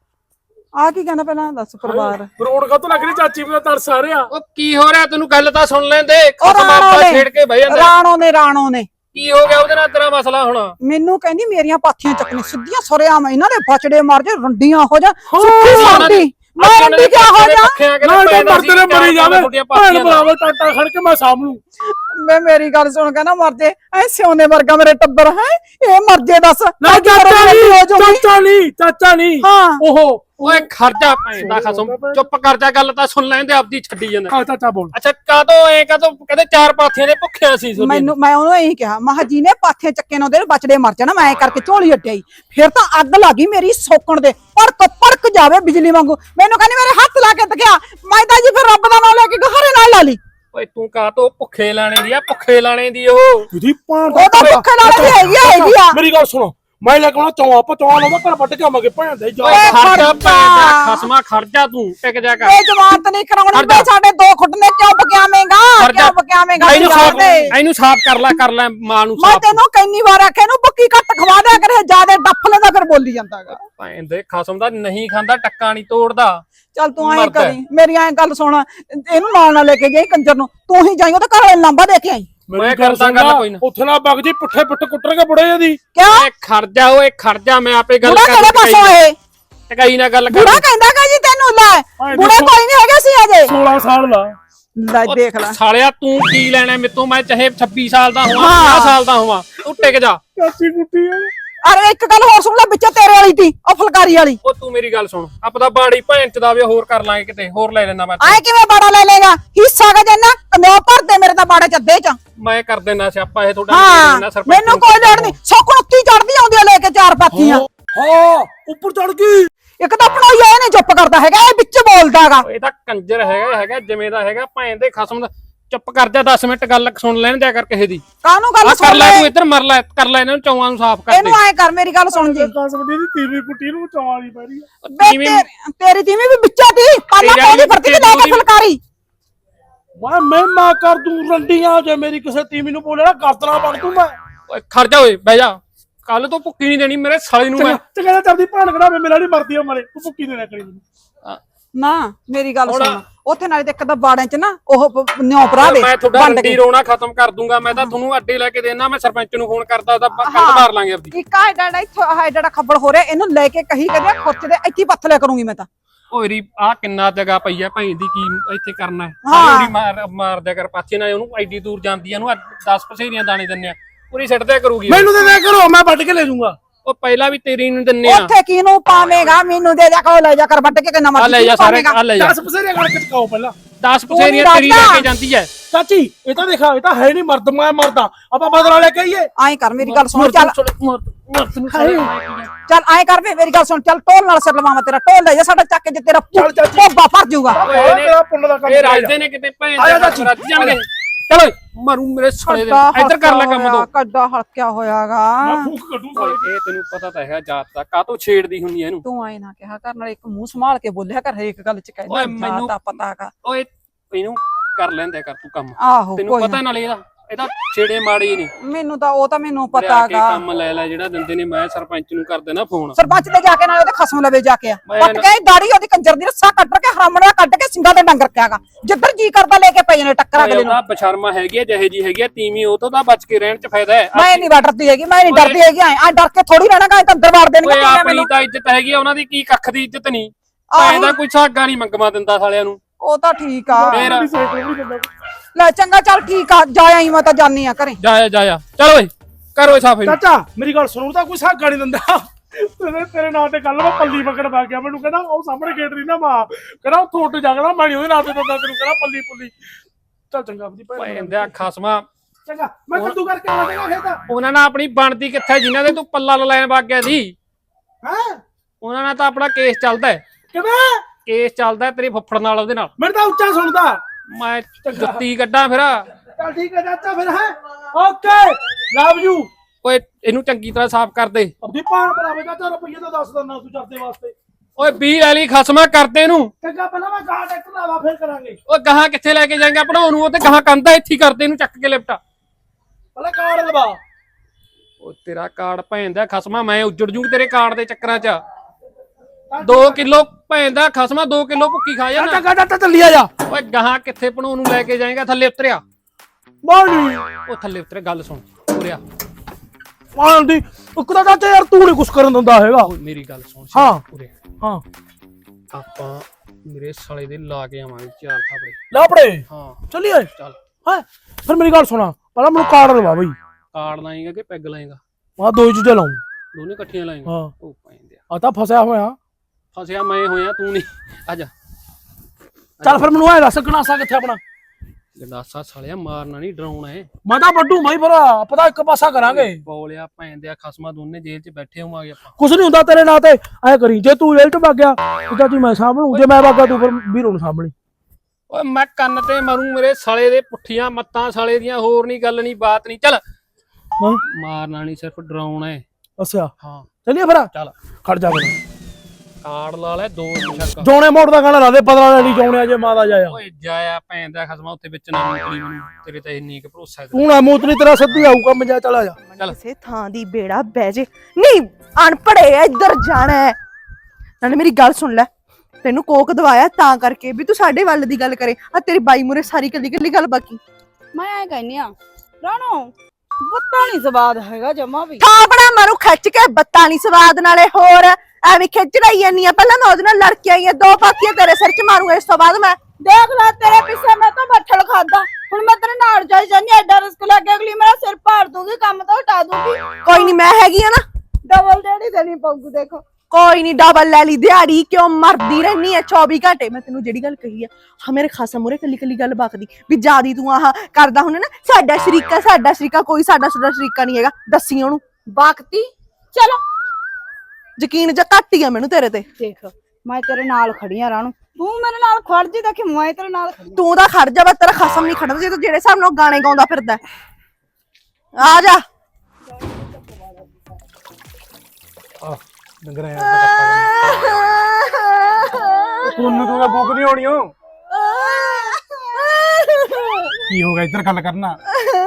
A: ਆ ਕੀ ਕਹਿੰਦਾ ਪਹਿਲਾਂ ਦੱਸ ਪਰਿਵਾਰ
D: ਰੋਡ ਕਾ ਤੋਂ ਲੱਗ ਰਹੀ ਚਾਚੀ ਮੈਨੂੰ ਤਰਸ ਆ ਰਿਹਾ
E: ਉਹ ਕੀ ਹੋ ਰਿਹਾ ਤੈਨੂੰ ਗੱਲ ਤਾਂ ਸੁਣ ਲੈਂਦੇ
A: ਉਹ
E: ਖਸਮਾ
A: ਰਾਣੋ
E: ਆਪਾਂ
A: ਨੇ
E: ਛੇੜ ਕੇ ਬਹਿ ਜਾਂਦਾ
A: ਰਾਣੋ ਨੇ ਰਾਣੋ ਨੇ
E: ਕੀ ਹੋ ਗਿਆ ਉਹਦੇ ਨਾਲ ਤੇਰਾ ਮਸਲਾ ਹੁਣ
A: ਮੈਨੂੰ ਕਹਿੰਦੀ ਮੇਰੀਆਂ ਪਾਥੀਆਂ ਚੱਕਣੀ ਸਿੱਧੀਆਂ ਸਰਿਆ ਮੈਂ ਇਹਨਾਂ ਦੇ ਬਚੜੇ ਮਾਰ ਜੇ ਰੰਡੀਆਂ ਹੋ ਜਾ
D: ਹਾਂ,
A: ਸੁੱਕੀ ਸਾਡੀ ਮੈਂ ਰੰਡੀ ਕਿਆ ਹੋ ਜਾ
D: ਨਾ ਇਹ ਮਰਦੇ ਨੇ ਮਰੀ ਜਾਵੇ ਭੈਣ ਬਰਾਵੇ ਟਾਟਾ ਖੜ ਕੇ ਮੈਂ ਸਾਹਮਣੂ
A: ਮੈਂ ਮੇਰੀ ਗੱਲ ਸੁਣ ਕੇ ਨਾ ਮਰ ਜੇ ਐ ਸਿਉਨੇ ਵਰਗਾ ਮੇਰੇ ਟੱਬਰ ਹੈ ਇਹ ਮਰ ਜੇ ਦੱਸ
D: ਨਾ
A: ਅੱਜ ਮੇਰਾ
D: ਚਾਚਾ
A: ਰੰਡੀ ਹੋ
D: ਨਹੀਂ
A: ਜਾਊਗੀ।
D: ਚਾਚਾ ਨਹੀਂ ਚਾਚਾ ਨਹੀਂ
A: ਹਾਂ
D: ਓਹੋ
E: ਓਏ ਖਰਚਾ ਪੈਂਦਾ ਖਸਮ ਚੁੱਪ ਕਰ ਜਾ ਗੱਲ ਤਾਂ ਸੁਣ ਲੈਂਦੇ ਆਪਦੀ ਛੱਡੀ ਜਾਂਦਾ
D: ਆ ਚਾਚਾ ਬੋਲ
E: ਅੱਛਾ ਕਾਦੋਂ ਐ ਕਾਦੋਂ ਕਹਿੰਦੇ ਚਾਰ ਪਾਥੀਆਂ ਦੇ ਭੁੱਖਿਆ ਸੀ ਤੁਹਾਡੇ
A: ਮੈਨੂੰ ਮੈਂ ਉਹਨੂੰ ਇਹੀ ਕਿਹਾ ਮਹਾ ਜੀ ਨੇ ਪਾਥੀਆਂ ਚੱਕੇ ਨਾ ਉਹਦੇ ਬਚੜੇ ਮਰ ਜਾਣਾ ਮੈਂ ਐਂ ਕਰਕੇ ਝੋਲੀ ਅੱਡਿਆਈ ਫਿਰ ਤਾਂ ਅੱਗ ਲੱਗੀ ਮੇਰੀ ਸੋਕਣ ਦੇ ਪੜਕ ਪੜਕ ਜਾਵੇ ਬਿਜਲੀ ਵਾਂਗੂ ਮੈਨੂੰ ਕਹਿੰਦੀ ਮੇਰੇ ਹੱਥ ਲਾ ਕੇ ਤਕਿਆ ਮੈਂ ਤਾਂ ਜੀ ਫਿਰ ਰੱਬ ਦਾ ਨਾਮ ਲੈ ਕੇ ਗਹਾਰੇ ਨਾਲ ਲਾ ਲਈ
E: ਓਏ ਤੂੰ ਕਾਤੋਂ ਭੁੱਖੇ ਲਾਣੇ ਦੀ ਆ ਭੁੱਖੇ ਲਾਣੇ ਦੀ ਉਹ
D: ਇਹਦੀ ਪਾਣ
A: ਉਹ ਤਾਂ ਭੁੱਖੇ ਨਾਲ ਵੀ ਹੈਗੀ ਆ, ਹੈਗੀ ਆ
D: ਮੇਰੀ ਗੱਲ ਸੁਣੋ ਮੈਂ ਲੈ ਕੇ ਆਉਣਾ ਚੌਂ ਆਪਾਂ ਚੌਂ ਲਾਉਂਦਾ ਘਰ ਵੱਟ ਕੇ ਆਵਾਂਗੇ ਭੈਣ ਦੇ ਜਾ
E: ਓਏ
A: ਓਏ
E: ਖਰਚਾ
A: ਖਰਚਾ।
E: ਪੈਂਦਾ ਖਸਮਾ ਖਰਚਾ ਤੂੰ ਟਿਕ ਜਾ ਕਰ
A: ਇਹ ਜਮਾਨਤ ਨਹੀਂ ਕਰਾਉਣੀ
E: ਖੜ ਜਾ।
A: ਬੇ ਸਾਡੇ ਦੋ ਖੁੱਟਨੇ ਕਿਉਂ ਬਕਿਆਵੇਂਗਾ
E: ਖੜ ਜਾ।
A: ਕਿਉਂ ਬਕਿਆਵੇਂਗਾ
E: ਇਹਨੂੰ ਸਾਫ ਇਹਨੂੰ ਸਾਫ ਕਰ ਲੈ ਕਰ ਲੈ ਮਾਂ ਨੂੰ
A: ਮੈਂ
E: ਸਾਫ
A: ਤੈਨੂੰ ਕਿੰਨੀ ਵਾਰ ਆਖਿਆ ਇਹਨੂੰ ਬੱਕੀ ਘੱਟ ਖਵਾ ਦਿਆ ਕਰੇ ਜਿਆਦੇ ਡੱਫ ਲੈਂਦਾ ਫਿਰ ਬੋਲੀ ਜਾਂਦਾਗਾ
E: ਪੈਂਦੇ ਖਸਮ ਦਾ ਨਹੀਂ ਖਾਂਦਾ ਟੱਕਾ ਨਹੀਂ ਤੋੜਦਾ
A: ਚੱਲ ਤੂੰ ਐਂ
E: ਮਰਦਾ ਹੈ।
A: ਕਰੀ ਮੇਰੀ ਐਂ ਗੱਲ ਸੁਣ ਇਹਨੂੰ ਨਾਲ ਨਾ ਲੈ ਕੇ ਜਾਈ ਕੰਜਰ ਨੂੰ ਤੂੰ ਹੀ ਜਾਈ ਉਹਦੇ ਘਰ ਵਾਲੇ ਲਾਂਬਾ ਦੇ ਕੇ ਆਈ
E: ਮੈਂ ਕਰਦਾ ਗੱਲ ਕੋਈ ਨਾ।
D: ਉੱਥੇ ਨਾ ਬਗ ਜੀ ਪੁੱਠੇ ਪੁੱਠ ਕੁੱਟਣਗੇ ਬੁੜੇ ਇਹਦੀ
A: ਕਿਉਂ
E: ਓਏ ਖਰਜਾ ਓਏ ਖਰਜਾ ਮੈਂ ਆਪੇ ਗੱਲ
A: ਬੁੜਾ ਕਿਹੜੇ ਪਾਸੋਂ ਏ
E: ਟਕਾਈ ਨਾਲ ਗੱਲ ਕਰ
A: ਬੁੜਾ ਕਹਿੰਦਾ ਕਿ ਜੀ ਤੈਨੂੰ ਲੈ
D: ਭਾਈ
A: ਬੁੜਾ
D: ਦੇਖੋ।
A: ਕੋਈ ਨਹੀਂ ਹੈਗਾ ਸੀ ਅਜੇ
D: ਸੋਲਾਂ ਸਾਲ ਦਾ
A: ਲੈ ਦੇਖ ਲੈ
E: ਸਾਲਿਆ ਤੂੰ ਕੀ ਲੈਣਾ ਮੇਤੋਂ ਮੈਂ ਚਾਹੇ ਛੱਬੀ ਸਾਲ ਦਾ ਹੋਵਾਂ
A: ਹਾਂ।
E: ਪੰਜਾਹ ਸਾਲ ਦਾ ਹੋਵਾਂ ਤੂੰ ਟਿਕ ਜਾ
D: ਚਾਚੀ ਕੁੱਟੀ ਹੈ
A: ਅਰੇ ਇੱਕ ਗੱਲ ਹੋਰ ਸੁਣ ਲੈ ਵਿੱਚੋਂ ਤੇਰੇ ਵਾਲੀ ਤੀ ਉਹ ਫੁਲਕਾਰੀ ਵਾਲੀ
E: ਉਹ ਤੂੰ ਮੇਰੀ ਗੱਲ ਸੁਣ ਆਪਦਾ ਬਾੜੀ ਭੈਣ ਚ ਦਾ ਵੀ ਹੋਰ ਕਰ ਲਾਂਗੇ ਕਿਤੇ ਹੋਰ ਲੈ ਲੈਂਦਾ ਮੈਂ
A: ਆਏ ਕਿਵੇਂ ਬਾੜਾ ਲੈ ਲੇਗਾ ਹਿੱਸਾ ਕ ਜੰਨਾ ਕੰਨੋ ਭਰਦੇ ਮੇਰੇ ਤਾਂ ਬਾੜੇ ਚ ਅੱਧੇ ਚ
E: ਮੈਂ ਕਰ ਦੇਣਾ ਸਿਆਪਾ ਇਹ ਤੁਹਾਡਾ
A: ਹਾਂ
E: ਦੇਣਾ ਸਰਪੰਚ
A: ਮੈਨੂੰ
E: ਨੂੰ।
A: ਕੋਈ ਲੋੜ ਨਹੀਂ ਸੋਕਣ ਉੱਤੀ ਚੜਦੀ ਆਉਂਦੀ ਆ ਲੈ ਕੇ ਚਾਰ ਪਾਥੀਆਂ
D: ਹਾਂ ਉੱਪਰ ਚੜ ਗਈ
A: ਇੱਕ ਤਾਂ ਪਣੋਈ ਇਹ ਨਹੀਂ ਚੁੱਪ ਕਰਦਾ ਹੈਗਾ ਇਹ ਵਿੱਚ ਬੋਲਦਾਗਾ
E: ਇਹ ਤਾਂ ਕੰਜਰ ਹੈਗਾ ਹੈਗਾ ਜਿਵੇਂ ਦਾ ਹੈਗਾ ਭੈਣ ਦੇ ਖਸਮ ਦਾ ਚੁੱਪ ਕਰ ਜਾ ਦਸ ਮਿੰਟ ਗੱਲ ਸੁਣ ਲੈਣ ਦਿਆ ਕਰ ਕਿਸੇ ਦੀ
A: ਕਾਹਨੂੰ
E: ਆ
A: ਗੱਲ
E: ਕਰ
A: ਸੁਣ
E: ਲੈ
A: ਲੈ
E: ਤੂੰ ਇੱਧਰ ਮਰ ਲੈ ਕਰ ਲੈ ਇਹਨਾਂ ਨੂੰ ਚੌਆਂ ਨੂੰ ਸਾਫ਼ ਕਰ ਦੇ
A: ਇਹਨੂੰ ਐ ਕਰ ਮੇਰੀ ਗੱਲ ਸੁਣ ਜੀ
D: ਕਸਮ ਦੀ ਤੀਵੀਂ ਕੁੱਟੀ ਨੂੰ ਚਵਾਲੀ ਪੈ ਰਹੀ ਹੈ
A: ਬੇ
E: ਤੀਵੀਂ-
A: ਤੇਰੀ- ਤੇਰੀ ਤੀਵੀਂ ਵੀ ਵਿੱਚਾ ਦੀ ਪਾਲਾ
E: ਤੇਰੀ
A: ਕੋਦੀ
E: ਵਾਲੀ
A: ਫਰਤੀ ਲੈ ਕੇ
E: ਤੇਰੀ
A: ਫੁਲਕਾਰੀ
D: ਮੈਂ ਮੈਂ ਮਾ ਕਰ ਦੂੰ ਰੰਡੀਆਂ ਜੇ ਮੇਰੀ ਕਿਸੇ ਤੀਵੀਂ ਨੂੰ ਬੋਲੇ ਨਾ ਗਰਦਨਾ ਬਣ ਦੂੰ ਮੈਂ
E: ਓਏ ਖੜ ਜਾ ਓਏ ਬਹਿ ਜਾ ਕੱਲ ਤੋਂ ਭੁੱਕੀ ਨਹੀਂ ਦੇਣੀ ਮੇਰੇ ਸਾਲੇ ਨੂੰ ਮੈਂ
D: ਤੇ ਕਹਿੰਦਾ ਚੜਦੀ ਭਾਣ ਕਢਾ ਮੇਰਾ ਨਹੀਂ ਮਰਦੀ ਉਹ ਮਰੇ ਤੂੰ ਭੁੱਕੀ ਦੇ ਰੱਖਣੀ ਮੈਨੂੰ
A: ਨਾ ਮੇਰੀ ਗੱਲ
E: ਹੁਣ-
A: ਸੁਣ ਉੱਥੇ ਨਾਲੇ ਤੇ ਇੱਕ ਤਾਂ ਬਾੜਾਂ ਚ ਨਾ ਉਹ ਪ- ਨਿਉ ਭਰਾ ਦੇ
E: ਮੈਂ ਤੁਹਾਡਾ
A: ਵੰਡ
E: ਰੰਡੀ
A: ਕੇ।
E: ਰੋਣਾ ਖਤਮ ਕਰ ਦੂੰਗਾ ਮੈਂ ਤਾਂ ਤੁਹਾਨੂੰ ਅੱਡੇ ਲੈ ਕੇ ਦੇਣਾ ਮੈਂ ਸਰਪੰਚ ਨੂੰ ਫੋਨ ਕਰਦਾ ਤਾਂ ਕੰਧ
A: ਹਾਂ।
E: ਮਾਰ ਲਾਂਗੇ ਆਪਦੀ
A: ਇੱਕ ਆ ਡਾਡਾ ਇੱਥੋਂ ਆ ਡਾਡਾ ਖੱਬਲ ਹੋ ਰਿਹਾ ਇਹਨੂੰ ਲੈ ਕੇ ਕਹੀ ਕਦੇ ਖੁੱਚ ਦੇ ਇੱਥੇ ਹੀ ਪੱਥ ਲਿਆ ਕਰੂੰਗੀ ਮੈਂ ਤਾਂ
E: ਓਏ ਰੀ ਆ ਕਿੰਨਾ ਜਗ੍ਹਾ ਪਈ ਆ ਭਾਈ ਦੀ ਕੀ ਇੱਥੇ ਕਰਨਾ ਹੈ
A: ਹਾਂ।
E: ਸਾਰੀ ਉਰੀ ਮਾਰ ਮਾਰ ਦਿਆ ਕਰ ਪਾਛੇ ਨਾਲ ਉਹਨੂੰ ਐਡੀ ਦੂਰ ਜਾਂਦੀ ਆ ਉਹਨੂੰ ਦਸ ਪਸੇਰੀਆਂ ਦਾਣੇ ਦਿੰਨੇ ਆ ਪੂਰੀ ਸਿੱਟ ਦਿਆ ਕਰੂਗੀ ਉਹ।
D: ਮੈਨੂੰ ਦੇ ਦੇ ਕਰੋ ਮੈਂ ਵੱਢ ਕੇ ਲੈ ਜਾਊਂਗਾ
E: ਉਹ ਪਹਿਲਾਂ ਵੀ ਤੇਰੀ ਨੂੰ ਦਿੰਨੇ ਆ
A: ਉੱਥੇ ਕਿਹਨੂੰ ਪਾਵੇਂਗਾ ਮੈਨੂੰ ਦੇ ਜਾ ਕੋ ਲੈ ਜਾ ਕਰ ਵੱਟ ਕੇ ਕਿੰਨਾ
E: ਆ
A: ਮਰਜ਼ੀ
E: ਲੈ ਜਾ
A: ਕਿਹਨੂੰ
E: ਸਾਰੇ
A: ਪਾਵੇਂਗਾ?
E: ਆ ਲੈ ਜਾ
D: ਦਸ ਪਸੇਰੇ ਕਰਕੇ ਚਕਾਓ ਪਹਿਲਾਂ
E: ਦਸ
A: ਤੂੰ ਨੀ
E: ਪਸੇਰੀਆਂ ਤੇਰੀ ਲੈ
A: ਡਰਦਾ।
E: ਕੇ ਜਾਂਦੀ ਐ
D: ਚਾਚੀ ਇਹ ਤਾਂ ਦੇਖਾ ਇਹ ਤਾਂ ਹੈ ਨਹੀਂ ਮਰਦ ਮੈਂ ਮਰਦਾ ਆਪਾਂ ਬਦਲਾ ਲੈ ਕੇ ਆਈਏ
A: ਆਏਂ ਕਰ ਮੇਰੀ ਗੱਲ ਸੁਣ ਚੱਲ ਚੱਲ ਆਏਂ ਕਰ ਵੇ ਮੇਰੀ ਗੱਲ ਸੁਣ ਚੱਲ ਟੋਲ ਨਾਲ ਸਿਰ ਲਵਾਵਾਂ ਤੇਰਾ ਟੋਲ ਲੈ ਜਾ ਸਾਡਾ ਚੱਕ ਕੇ ਜੇ ਤੇਰਾ
D: ਚੱਲ ਚਾਚੀ।
A: ਭੋਬਾ ਭਰ ਜਾਊਗਾ
E: ਓਏ ਇਹਨੇ-
D: ਤੇਰਾ ਪੁੰਨ ਦਾ ਕੰਮ
E: ਇਹ ਰਾਜਦੇ ਨੇ ਕਿਤੇ ਭੈਣ
D: ਆ ਜਾ
E: ਦੇ
D: ਚਾਚੀ।
E: ਰੱਜ ਜਾਣਗੇ ਚਲੋ ਮਰੂ ਮੇਰੇ ਸਾਲੇ ਦੇ ਇੱਧਰ ਕਰ ਲੈ ਕੰਮ ਤੋਂ
A: ਕੱਡਾ ਹਲਕਿਆ ਹੋਇਆਗਾ
D: ਮੈਂ ਫੂਕ ਕੱਢੂ
E: ਓਏ
D: ਸਾਲੇ
E: ਇਹ ਤੈਨੂੰ ਪਤਾ ਤਾਂ ਹੈਗਾ ਜਾਤ ਦਾ ਕਾਤੋਂ ਛੇੜਦੀ ਹੁੰਦੀ ਐ ਇਹਨੂੰ
A: ਤੂੰ ਆਏ ਨਾ ਕਿਹਾ ਕਰ ਨਾਲ ਇੱਕ ਮੂੰਹ ਸੰਭਾਲ ਕੇ ਬੋਲਿਆ ਕਰ ਹਰੇਕ ਗੱਲ ਚ ਕਹਿੰਦਾ
E: ਓਏ ਮੈਨੂੰ-
A: ਤਾਂ ਪਤਾਗਾ
E: ਓਏ ਇਹਨੂੰ ਕਰ ਲੈਂਦੇ ਕਰ ਤੂੰ ਕੰਮ
A: ਆਹੋ
E: ਤੈਨੂੰ
A: ਕੋਈ
E: ਪਤਾ
A: ਨਾ
E: ਨਾਲੇ ਇਹਦਾ ਇਹਦਾ ਛੇੜੇ ਮਾੜੇ ਨਹੀਂ
A: ਮੈਨੂੰ ਤਾਂ ਉਹ ਤਾਂ ਮੈਨੂੰ
E: ਲਿਆ ਕੇ
A: ਪਤਾਗਾ
E: ਕੰਮ ਲੈ ਲੈ ਜਿਹੜਾ ਦਿੰਦੇ ਨੇ ਮੈਂ ਸਰਪੰਚ ਨੂੰ ਕਰ ਦੇਣਾ ਫੋਨ
A: ਸਰਪੰਚ ਤੇ ਜਾ ਕੇ ਨਾਲ ਉਹਦੇ ਖਸਮ ਲਵੇ ਜਾ ਕੇ ਆ
E: ਮੈਂ
A: ਕੱਟ
E: ਨਾ-
A: ਕੇ ਦਾੜੀ ਉਹਦੀ ਕੰਜਰ ਦੀ ਰੱਸਾ ਕੱਟ ਕੇ ਹਰਾਮਣਾ ਕੱਟ ਕੇ ਸਿੰਘਾਂ ਤੇ ਡੰਗ ਰੱਖਿਆਗਾ ਜਿੱਧਰ ਜੀ ਕਰਦਾ ਲੈ ਕੇ ਪਈ ਨੇ ਟੱਕਰ ਅਗਲੇ ਨੂੰ
E: ਉਹਦਾ ਬਸ਼ਰਮਾ ਹੈਗੀ ਹੈ ਜਿਹੇ ਜੀ ਹੈਗੀ ਹੈ ਤੀਵੀਂ ਉਹ ਤੋਂ ਤਾਂ ਬਚ ਕੇ ਰਹਿਣ ਚ ਫਾਇਦਾ ਹੈ
A: ਮੈਂ ਨਹੀਂ ਡਰਦੀ ਹੈਗੀ ਮੈਂ ਨਹੀਂ ਡਰਦੀ ਹੈਗੀ ਆ ਡਰ ਕੇ ਥੋੜੀ ਰਹਿਣਾਗਾ ਤਾਂ ਅੰਦਰ ਵਾੜ ਦੇਣਗੇ
E: ਓਏ
A: ਤੀਵੀਆਂ
E: ਆਪਣੀ
A: ਮੈਨੂੰ
E: ਤਾਂ ਇੱਜ਼ਤ ਹੈਗੀ ਆ ਉਹਨਾਂ ਦੀ ਕੀ ਕੱਖ ਦੀ ਇੱਜ਼ਤ ਨਹੀਂ
A: ਆਹੋ।
E: ਐਂ ਦਾ ਕੋਈ ਸਾਗਾ ਨਹੀਂ ਮੰਗਵਾ ਦਿੰਦਾ ਸਾਲਿਆਂ ਨੂੰ
A: ਉਹ ਤਾਂ ਠੀਕ ਆ
E: ਫੇਰ
A: ਲੈ ਚੰਗਾ ਚੱਲ ਠੀਕ ਆ ਜਾ ਆਈ ਮੈਂ ਤਾਂ ਜਾਨੀ ਆ ਘਰੇ
E: ਜਾਇਆ ਜਾਇਆ ਚਲ ਓਏ ਕਰ ਓਏ ਸਾਫ
D: ਚਾਚਾ ਮੇਰੀ ਗੱਲ ਸੁਣੋ ਤਾਂ ਕੋਈ ਸਾਗਾ ਨਹੀਂ ਦਿੰਦਾ ਤੇਰੇ ਤੇਰੇ ਨਾਂ ਤੇ ਕੱਲ ਮੈਂ ਪੱਲੀ ਪਕੜ ਪਾ ਗਿਆ ਮੈਨੂੰ ਕਹਿੰਦਾ ਉਹ ਸਾਹਮਣੇ ਗੇਟ ਦੀ ਨਾ ਮਾਂ ਕਹਿੰਦਾ ਉੱਥੋਂ ਉੱਠ ਜਾਗਣਾ ਮੈਂ ਨਹੀਂ ਉਹਦੇ ਨਾਂ ਤੇ ਦਿੰਦਾ ਤੈਨੂੰ ਕਹਿੰਦਾ ਪੱਲੀ ਪੁੱਲੀ ਚੱਲ ਚੰਗਾ ਆਪਣੀ ਭੈਣ
E: ਭੈਣ ਦਾ ਖਸਮਾ
D: ਚੰਗਾ ਮੈਂ ਕੱਦੂ ਕਰਕੇ ਆ ਜਾਗਾ ਖੇਤ
E: ਉਹਨਾਂ ਨਾਲ ਆਪਣੀ ਬਣਦੀ ਕਿੱਥੇ ਜਿਨ੍ਹਾਂ ਦੇ ਤੂੰ ਪੱਲਾ ਲੈਣ ਵਗ ਗਿਆ ਸੀ
D: ਹੈ
E: ਉਹਨਾਂ ਨਾਲ ਤਾਂ ਆਪਣਾ ਕੇਸ ਚੱਲਦਾ ਹੈ
D: ਕਿਵੇਂ
E: ਕੇਸ ਚੱਲਦਾ ਤੇਰੇ ਫੁੱਫੜ ਨਾਲ ਉਹਦੇ ਨਾਲ
D: ਮੈਨੂੰ ਤਾਂ ਉੱਚਾ ਸੁਣਦਾ
E: ਮੈਂ ਜੁੱਤੀ ਕੱਢਾਂ ਫਿਰ
D: ਚੱਲ ਠੀਕ ਹੈ ਚਾਚਾ ਫਿਰ ਹੈ ਓਕੇ ਲਵ ਯੂ
E: ਓਏ ਇਹਨੂੰ ਚੰਗੀ ਤਰ੍ਹਾਂ ਸਾਫ਼ ਕਰ ਦੇ
D: ਆਪਣੀ ਭਾਣ ਬਣਾਵੇ ਚਾਚਾ ਰੁਪਈਏ ਤਾਂ ਦੱਸ ਦਿੰਦਾ ਤੂੰ ਚਰਦੇ ਵਾਸਤੇ
E: ਓਏ ਵੀਹ ਲੈ ਲਈ ਖਸਮਾ ਕਰਦੇ ਇਹਨੂੰ
D: ਚੰਗਾ ਪਹਿਲਾਂ ਮੈਂ ਕਾਰ ਟੈਕਟਰ ਲਾਵਾ ਫਿਰ ਕਰਾਂਗੇ
E: ਓਏ ਗਾਹਾਂ ਕਿੱਥੇ ਲੈ ਕੇ ਜਾਏਗਾ ਬਣਾਉਣ ਨੂੰ ਉਹ ਤੇ ਗਾਹਾਂ ਕੰਦਾ ਇੱਥੇ ਹੀ ਕਰਦੇ ਇਹਨੂੰ ਚੱਕ ਕੇ ਲਿਫਟ
D: ਪਹਿਲਾਂ ਕਾਰ ਲਵਾ
E: ਓ ਤੇਰਾ ਕਾਰਡ ਭੈਣ ਦਾ ਖਸਮਾ ਮੈਂ ਉੱਜੜ ਜੂ ਤੇਰੇ ਕਾਰਡ ਦੇ ਚੱਕਰਾਂ 'ਚ ਦੋ ਕਿਲੋ ਭੈਣ ਦਾ ਖਸਮਾ ਦੋ ਕਿਲੋ ਭੁੱਕੀ ਖਾ ਜਾਣਾ
D: ਚੰਗਾ ਚਾਚਾ ਚੱਲੀ ਆ ਜਾ
E: ਓਏ ਗਾਹਾਂ ਕਿੱਥੇ ਬਣਾਉਣ ਨੂੰ ਲੈ ਕੇ ਜਾਏਗਾ ਥੱਲੇ ਉਤਰਿਆ
D: ਮਾਣੀ
E: ਉਹ ਥੱਲੇ ਉਤਰੇ ਗੱਲ ਸੁਣ ਉਰਿਆ
D: ਮਾਣ ਦੀ ਇੱਕ ਤਾਂ ਚਾਚਾ ਯਾਰ ਤੂੰ ਨਹੀਂ ਕੁਛ ਕਰਨ ਦਿੰਦਾ ਹੈਗਾ
E: ਓਏ ਮੇਰੀ ਗੱਲ ਸੁਣ
D: ਹਾਂ।
E: ਉਰਿਆ
D: ਹਾਂ
E: ਆਪਾਂ ਮੇਰੇ ਸਾਲੇ ਦੇ ਲਾ ਕੇ ਆਵਾਂਗੇ ਚਾਰ ਥਾਪੜੇ
D: ਲਾਪੜੇ
E: ਹਾਂ
D: ਚੱਲੀਏ
E: ਚੱਲ
D: ਹਾਂ ਫਿਰ ਮੇਰੀ ਗੱਲ ਸੁਣਾ ਪਹਿਲਾਂ ਮੈਨੂੰ ਕਾਰਡ ਲਵਾ ਬਈ
E: ਕਾਰਡ ਲਾਏਗਾ ਕਿ ਪੈਗ ਲਾਏਗਾ
D: ਮੈਂ ਦੋ ਹੀ ਚੀਜ਼ਾਂ ਲਾਉਂ
E: ਦੋਨੇ ਇਕੱਠੀਆਂ ਲਾਏਗਾ
D: ਹਾਂ
E: ਉਹ ਪੈਂਦੇ
D: ਆ ਤਾਂ ਫਸਿਆ ਹੋਇਆ
E: ਫਸਿਆ ਮੈਂ ਹੋਇਆ ਤੂੰ ਨਹੀਂ ਆ ਜਾ
D: ਚੱਲ ਫਿਰ ਮੈਨੂੰ ਐ ਦੱਸ ਗਨਾਸਾ ਕਿੱਥੇ ਆਪਣਾ
E: ਗੰਡਾਸਾ ਸਾਲਿਆ ਮਾਰਨਾ ਨਹੀਂ ਡਰਾਉਣਾ ਹੈ
D: ਮੈਂ ਤਾਂ ਵੱਡੂ ਮੈਂ ਫਿਰ ਪਤਾ ਇੱਕ ਪਾਸਾ ਕਰਾਂਗੇ
E: ਬੋਲਿਆ ਭੈਣ ਦੇ ਖਸਮਾ ਦੋਨੇ ਜੇਲ੍ਹ 'ਚ ਬੈਠੇ ਹੋਵਾਂਗੇ ਆਪਾਂ
D: ਕੁਛ ਨਹੀਂ ਹੁੰਦਾ ਤੇਰੇ ਨਾਂ ਤੇ ਐ ਕਰੀ ਜੇ ਤੂੰ ਜੇਲ੍ਹ 'ਚ ਵਗ ਗਿਆ ਤਾਂ ਤੂੰ ਮੈਂ ਸਾਂਭਲੂ ਜੇ ਮੈਂ ਵਗ ਗਿਆ ਤੂੰ ਫਿਰ ਵੀਰੋ ਨੂੰ ਸਾਂਭਲੀ
E: ਓਏ ਮੈਂ ਕੰਨ ਤੇ ਮਰੂ ਮੇਰੇ ਸਾਲੇ ਦੇ ਪੁੱਠੀਆਂ ਮੱਤਾਂ ਸਾਲੇ ਦੀਆਂ ਹੋਰ ਨਹੀਂ ਗੱਲ ਨਹੀਂ ਬਾਤ ਨਹੀਂ ਚੱਲ ਮਾਰਨਾ ਨਹੀਂ ਸਿਰਫ ਡਰਾਉਣਾ ਹੈ
D: ਅੱਛਾ
E: ਹਾਂ
D: ਚੱਲੀਏ ਫਿਰ
E: ਚੱਲ
D: ਖੜ ਜਾ ਫਿਰ
E: ਕਾਰਡ ਲਾ ਲੈ ਦੋ ਸ਼ੱਕ
D: ਜੋਣੇ ਮੋੜ ਦਾ ਗਾਣਾ ਲਾ ਦੇ ਪਤਾ ਨਹੀਂ ਜੋਣਿਆ ਜੇ ਮਾਦਾ ਜਾਇਆ
E: ਓਏ ਜਾਇਆ ਭੈਣ ਦਾ ਖਸਮਾ ਉੱਥੇ ਵਿੱਚ ਨਾ ਨਿਕਲੀ ਮੈਨੂੰ ਤੇਰੇ ਤੇ ਇੰਨੀ ਕੁ ਭਰੋਸਾ ਹੈ
D: ਤੂੰ ਨਾ ਮੂਤਰੀ ਤੇਰਾ ਸਿੱਧੀ ਆਊਗਾ ਮੈਂ ਜਾ ਚਲਾ ਜਾ
E: ਚੱਲ
C: ਕਿਸੇ ਥਾਂ ਦੀ ਬੇੜਾ ਬਹਿ ਜੇ ਨਹੀਂ ਅਨਪੜੇ ਇੱਧਰ ਜਾਣਾ ਹੈ ਨਾਲੇ ਮੇਰੀ ਗੱਲ ਸੁਣ ਲੈ ਤੈਨੂੰ ਕੋਕ ਦਵਾਇਆ ਤਾਂ ਕਰਕੇ ਵੀ ਤੂੰ ਸਾਡੇ ਵੱਲ ਦੀ ਗੱਲ ਕਰੇ ਆ ਤੇਰੀ ਬਾਈ ਮੂਰੇ ਸਾਰੀ ਕੱਲੀ ਕੱਲੀ ਗੱਲ ਬਾਕੀ
B: ਮੈਂ ਐ ਕਹਿੰਨੀ ਆ ਰਾਣੋ ਬੱਤਾ ਨਹੀਂ ਸਵਾਦ ਹੈਗਾ ਜਮਾ ਵੀ
C: ਥਾਪੜਾ ਮਾਰੂ ਖੱਚ ਕੇ ਬੱਤਾ ਨਹੀਂ ਸਵਾਦ ਨਾਲੇ ਹੋਰ ਐਵੇਂ ਖਿੱਚ ਰਹੀ ਜਾਨੀ ਆ ਪਹਿਲਾਂ ਮੈਂ ਉਹਦੇ ਨਾਲ ਲੜ ਕੇ ਆਈ ਆ ਦੋ ਪਾਕੀਆਂ ਤੇਰੇ ਸਿਰ 'ਚ ਮਾਰੂਗਾ ਇਸ ਤੋਂ ਬਾਅਦ ਮੈਂ
B: ਦੇਖ ਲੈ ਤੇਰੇ ਪਿੱਛੇ ਮੈਂ ਤਾਂ ਬੱਠਲ ਖਾਦਾ ਹੁਣ ਮੈਂ ਤੇਰੇ ਨਾਲ ਜਾਈ ਜਾਨੀ ਐਡਾ ਰਿਸਕ ਲੈ ਕੇ ਅਗਲੀ ਮੇਰਾ ਸਿਰ ਭਾਰ ਦੂਗੀ ਕੰਮ ਤਾਂ ਹਟਾ ਦੂਗੀ
C: ਕੋਈ ਨਹੀਂ ਮੈਂ ਹੈਗੀ ਆ ਨਾ
B: ਡਬਲ ਡੇੜੀ ਦੇਣੀ ਪਊਗੀ ਦੇਖੋ
C: ਕੋਈ ਨਹੀਂ ਡਬਲ ਲੈ ਲਈ ਦਿਹਾੜੀ ਕਿਉਂ ਮਰਦੀ ਰਹਿਨੀ ਆ ਚੌਵੀ ਘੰਟੇ ਮੈਂ ਤੈਨੂੰ ਜਿਹੜੀ ਗੱਲ ਕਹੀ ਆ ਹਾਂ ਮੇਰੇ ਖਾਸਾ ਮੂਰੇ ਕੱਲੀ ਕੱਲੀ ਗੱਲ ਬਕਦੀ ਵੀ ਜਿਆਦੀ ਤੂੰ ਆਹ ਕਰਦਾ ਹੁਣ ਨਾ ਸਾਡਾ ਸ਼ਰੀਕਾ ਸਾਡਾ ਸ਼ਰੀਕਾ ਕੋਈ ਸਾਡਾ ਸੁਡਾ ਸ਼ਰੀਕਾ ਨਹੀਂ ਹੈਗਾ ਦੱਸੀ ਉਹਨੂੰ
B: ਬਾਕਤੀ ਚਲੋ
C: ਯਕੀਨ ਜਾਂ ਘੱਟ ਹੀ ਆ ਮੈਨੂੰ ਤੇਰੇ ਤੇ
B: ਦੇਖ ਮੈਂ ਤੇਰੇ ਨਾਲ ਖੜੀ ਆ ਰਾਣੋ ਤੂੰ ਮੇਰੇ ਨਾਲ ਖੜ ਜੀ ਦੇਖੀ ਮੈਂ ਤੇਰੇ ਨਾਲ ਖੜੀ
C: ਤੂੰ ਤਾਂ ਖੜ ਜਾ ਬਸ ਤੇਰਾ ਖਸਮ ਨਹੀਂ ਖੜਦਾ ਜੇ ਤੂੰ ਜਿਹੜੇ ਹਿਸਾਬ ਨਾਲ ਗਾਣੇ ਗਾਉਂਦਾ ਫਿਰਦਾ ਆ ਜਾ
D: ਆ ਡੰਗਰਾਂ ਤੁਹਾਨੂੰ ਤੂੰ ਭੁੱਖ ਨਹੀਂ ਹੋਣੀ ਹੋ ਕੀ ਹੋ ਗਿਆ ਇੱਧਰ ਗੱਲ ਕਰਨਾ